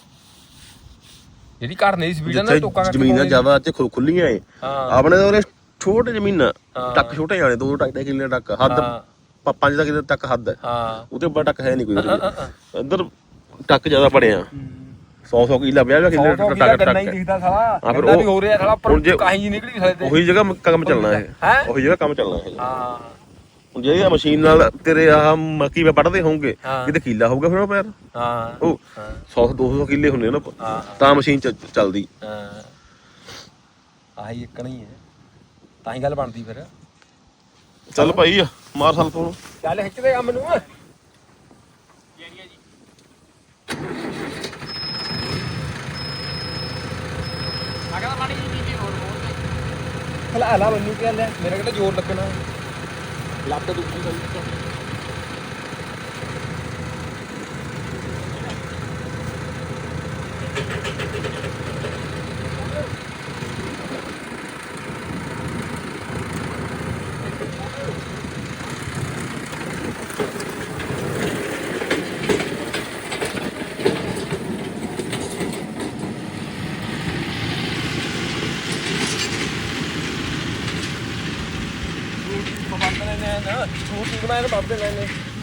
Speaker 2: ਜਿਹੜੀ ਘਰਨੇ ਦੀ ਸਪੀਡ ਆ ਨਾ
Speaker 3: ਜਿੱਥੇ
Speaker 2: ਟੋਕਾ ਕਰਕੇ
Speaker 3: ਜ਼ਮੀਨਾਂ
Speaker 2: ਪਾਉਣੀ।
Speaker 3: ਜ਼ਿਆਦਾ ਚ ਖੁੱਲੀਆਂ ਏ
Speaker 2: ਹਾਂ
Speaker 3: ਆਪਣੇ ਤਾਂ ਉਰੇ ਛੋਟੇ ਜ਼ਮੀਨਾਂ
Speaker 2: ਹਾਂ।
Speaker 3: ਟੱਕ ਛੋਟੇ ਜਾਣੇ ਦੋ ਢਾਈ ਢਾਈ ਕਿੱਲੇ ਟੱਕ ਹੱਦ
Speaker 2: ਹਾਂ
Speaker 3: ਪ- ਪੰਜ ਦਾ ਕਿੱਲੇ ਤੱਕ ਹੱਦ ਹੈ
Speaker 2: ਹਾਂ
Speaker 3: ਉਹਦੇ ਉੱਪਰ ਟੱਕ ਹੈ ਨਹੀਂ ਕੋਈ ਉਰੇ। ਇੱਧਰ ਟੱਕ ਜ਼ਿਆਦਾ ਬੜਿਆ ਸੌ ਸੌ ਕਿੱਲਾ ਵਿਆਹ ਵਿਆਹ ਕਿੱਲੇ
Speaker 2: ਸੌ ਸੌ
Speaker 3: ਟੱਕ
Speaker 2: ਕਿੱਲਾ
Speaker 3: ਟੱਕ
Speaker 2: ਗੰਨਾ ਹੀ ਦਿਖਦਾ ਸਾਲਾ
Speaker 3: ਹਾਂ, ਫਿਰ
Speaker 2: ਗੰਨਾ ਵੀ
Speaker 3: ਉਹ-
Speaker 2: ਹੋ ਰਿਹਾ ਸਾਲਾ ਪਰ
Speaker 3: ਹੁਣ ਜੇ-
Speaker 2: ਕਾਹੀਂ ਜੀ ਨਿਕਲੀ ਸਾਡੇ ਤੇ
Speaker 3: ਉਹੀ ਜਗ੍ਹਾ ਕੰਮ ਚੱਲਣਾ ਇਹ
Speaker 2: ਹੈਂ?
Speaker 3: ਉਹੀ ਜਗ੍ਹਾ ਕੰਮ ਚੱਲਣਾ ਇਹ
Speaker 2: ਹਾਂ
Speaker 3: ਹੁਣ ਜਿਹੜੀ ਆਹ ਮਸ਼ੀਨ ਨਾਲ ਤੇਰੇ ਆਹ ਮੱਕੀ ਵੇ ਵੱਢਦੇ ਹੋਣਗੇ
Speaker 2: ਹਾਂ।
Speaker 3: ਕਿਤੇ ਕਿੱਲਾ ਹੋਊਗਾ ਫਿਰ ਉਹ ਪੈਰ
Speaker 2: ਹਾਂ
Speaker 3: ਉਹ
Speaker 2: ਹਾਂ
Speaker 3: ਸੌ ਦੋ ਸੌ ਕਿੱਲੇ ਹੁੰਦੇ ਨਾ
Speaker 2: ਹਾਂ
Speaker 3: ਤਾਂ ਮਸ਼ੀਨ ਚ ਚੱਲਦੀ
Speaker 2: ਹਾਂ ਆਹੀ ਇੱਕ ਨਹੀਂ ਹੈ ਤਾਂ ਹੀ ਗੱਲ ਬਣਦੀ ਫਿਰ
Speaker 3: ਚੱਲ ਭਾਈ ਆ ਮਾਰ ਸਾਲ ਤੋਂ
Speaker 2: ਚੱਲ ਖਿੱਚਦੇ ਕੰਮ ਨੂੰ ਹਲਾ ਹਲਾ ਮੈਨੂੰ ਕੀ ਲਿਆ ਮੇਰਾ ਕਿਹੜਾ ਜ਼ੋਰ ਲੱਗਣਾ ਲੱਤ ਦੁਖੀ ਹੋਈ ਬਾਬੇ ਨੇ ਨਾ ਛੋਟੀ ਬਣਾਇਆ ਬਾਬੇ ਨੇ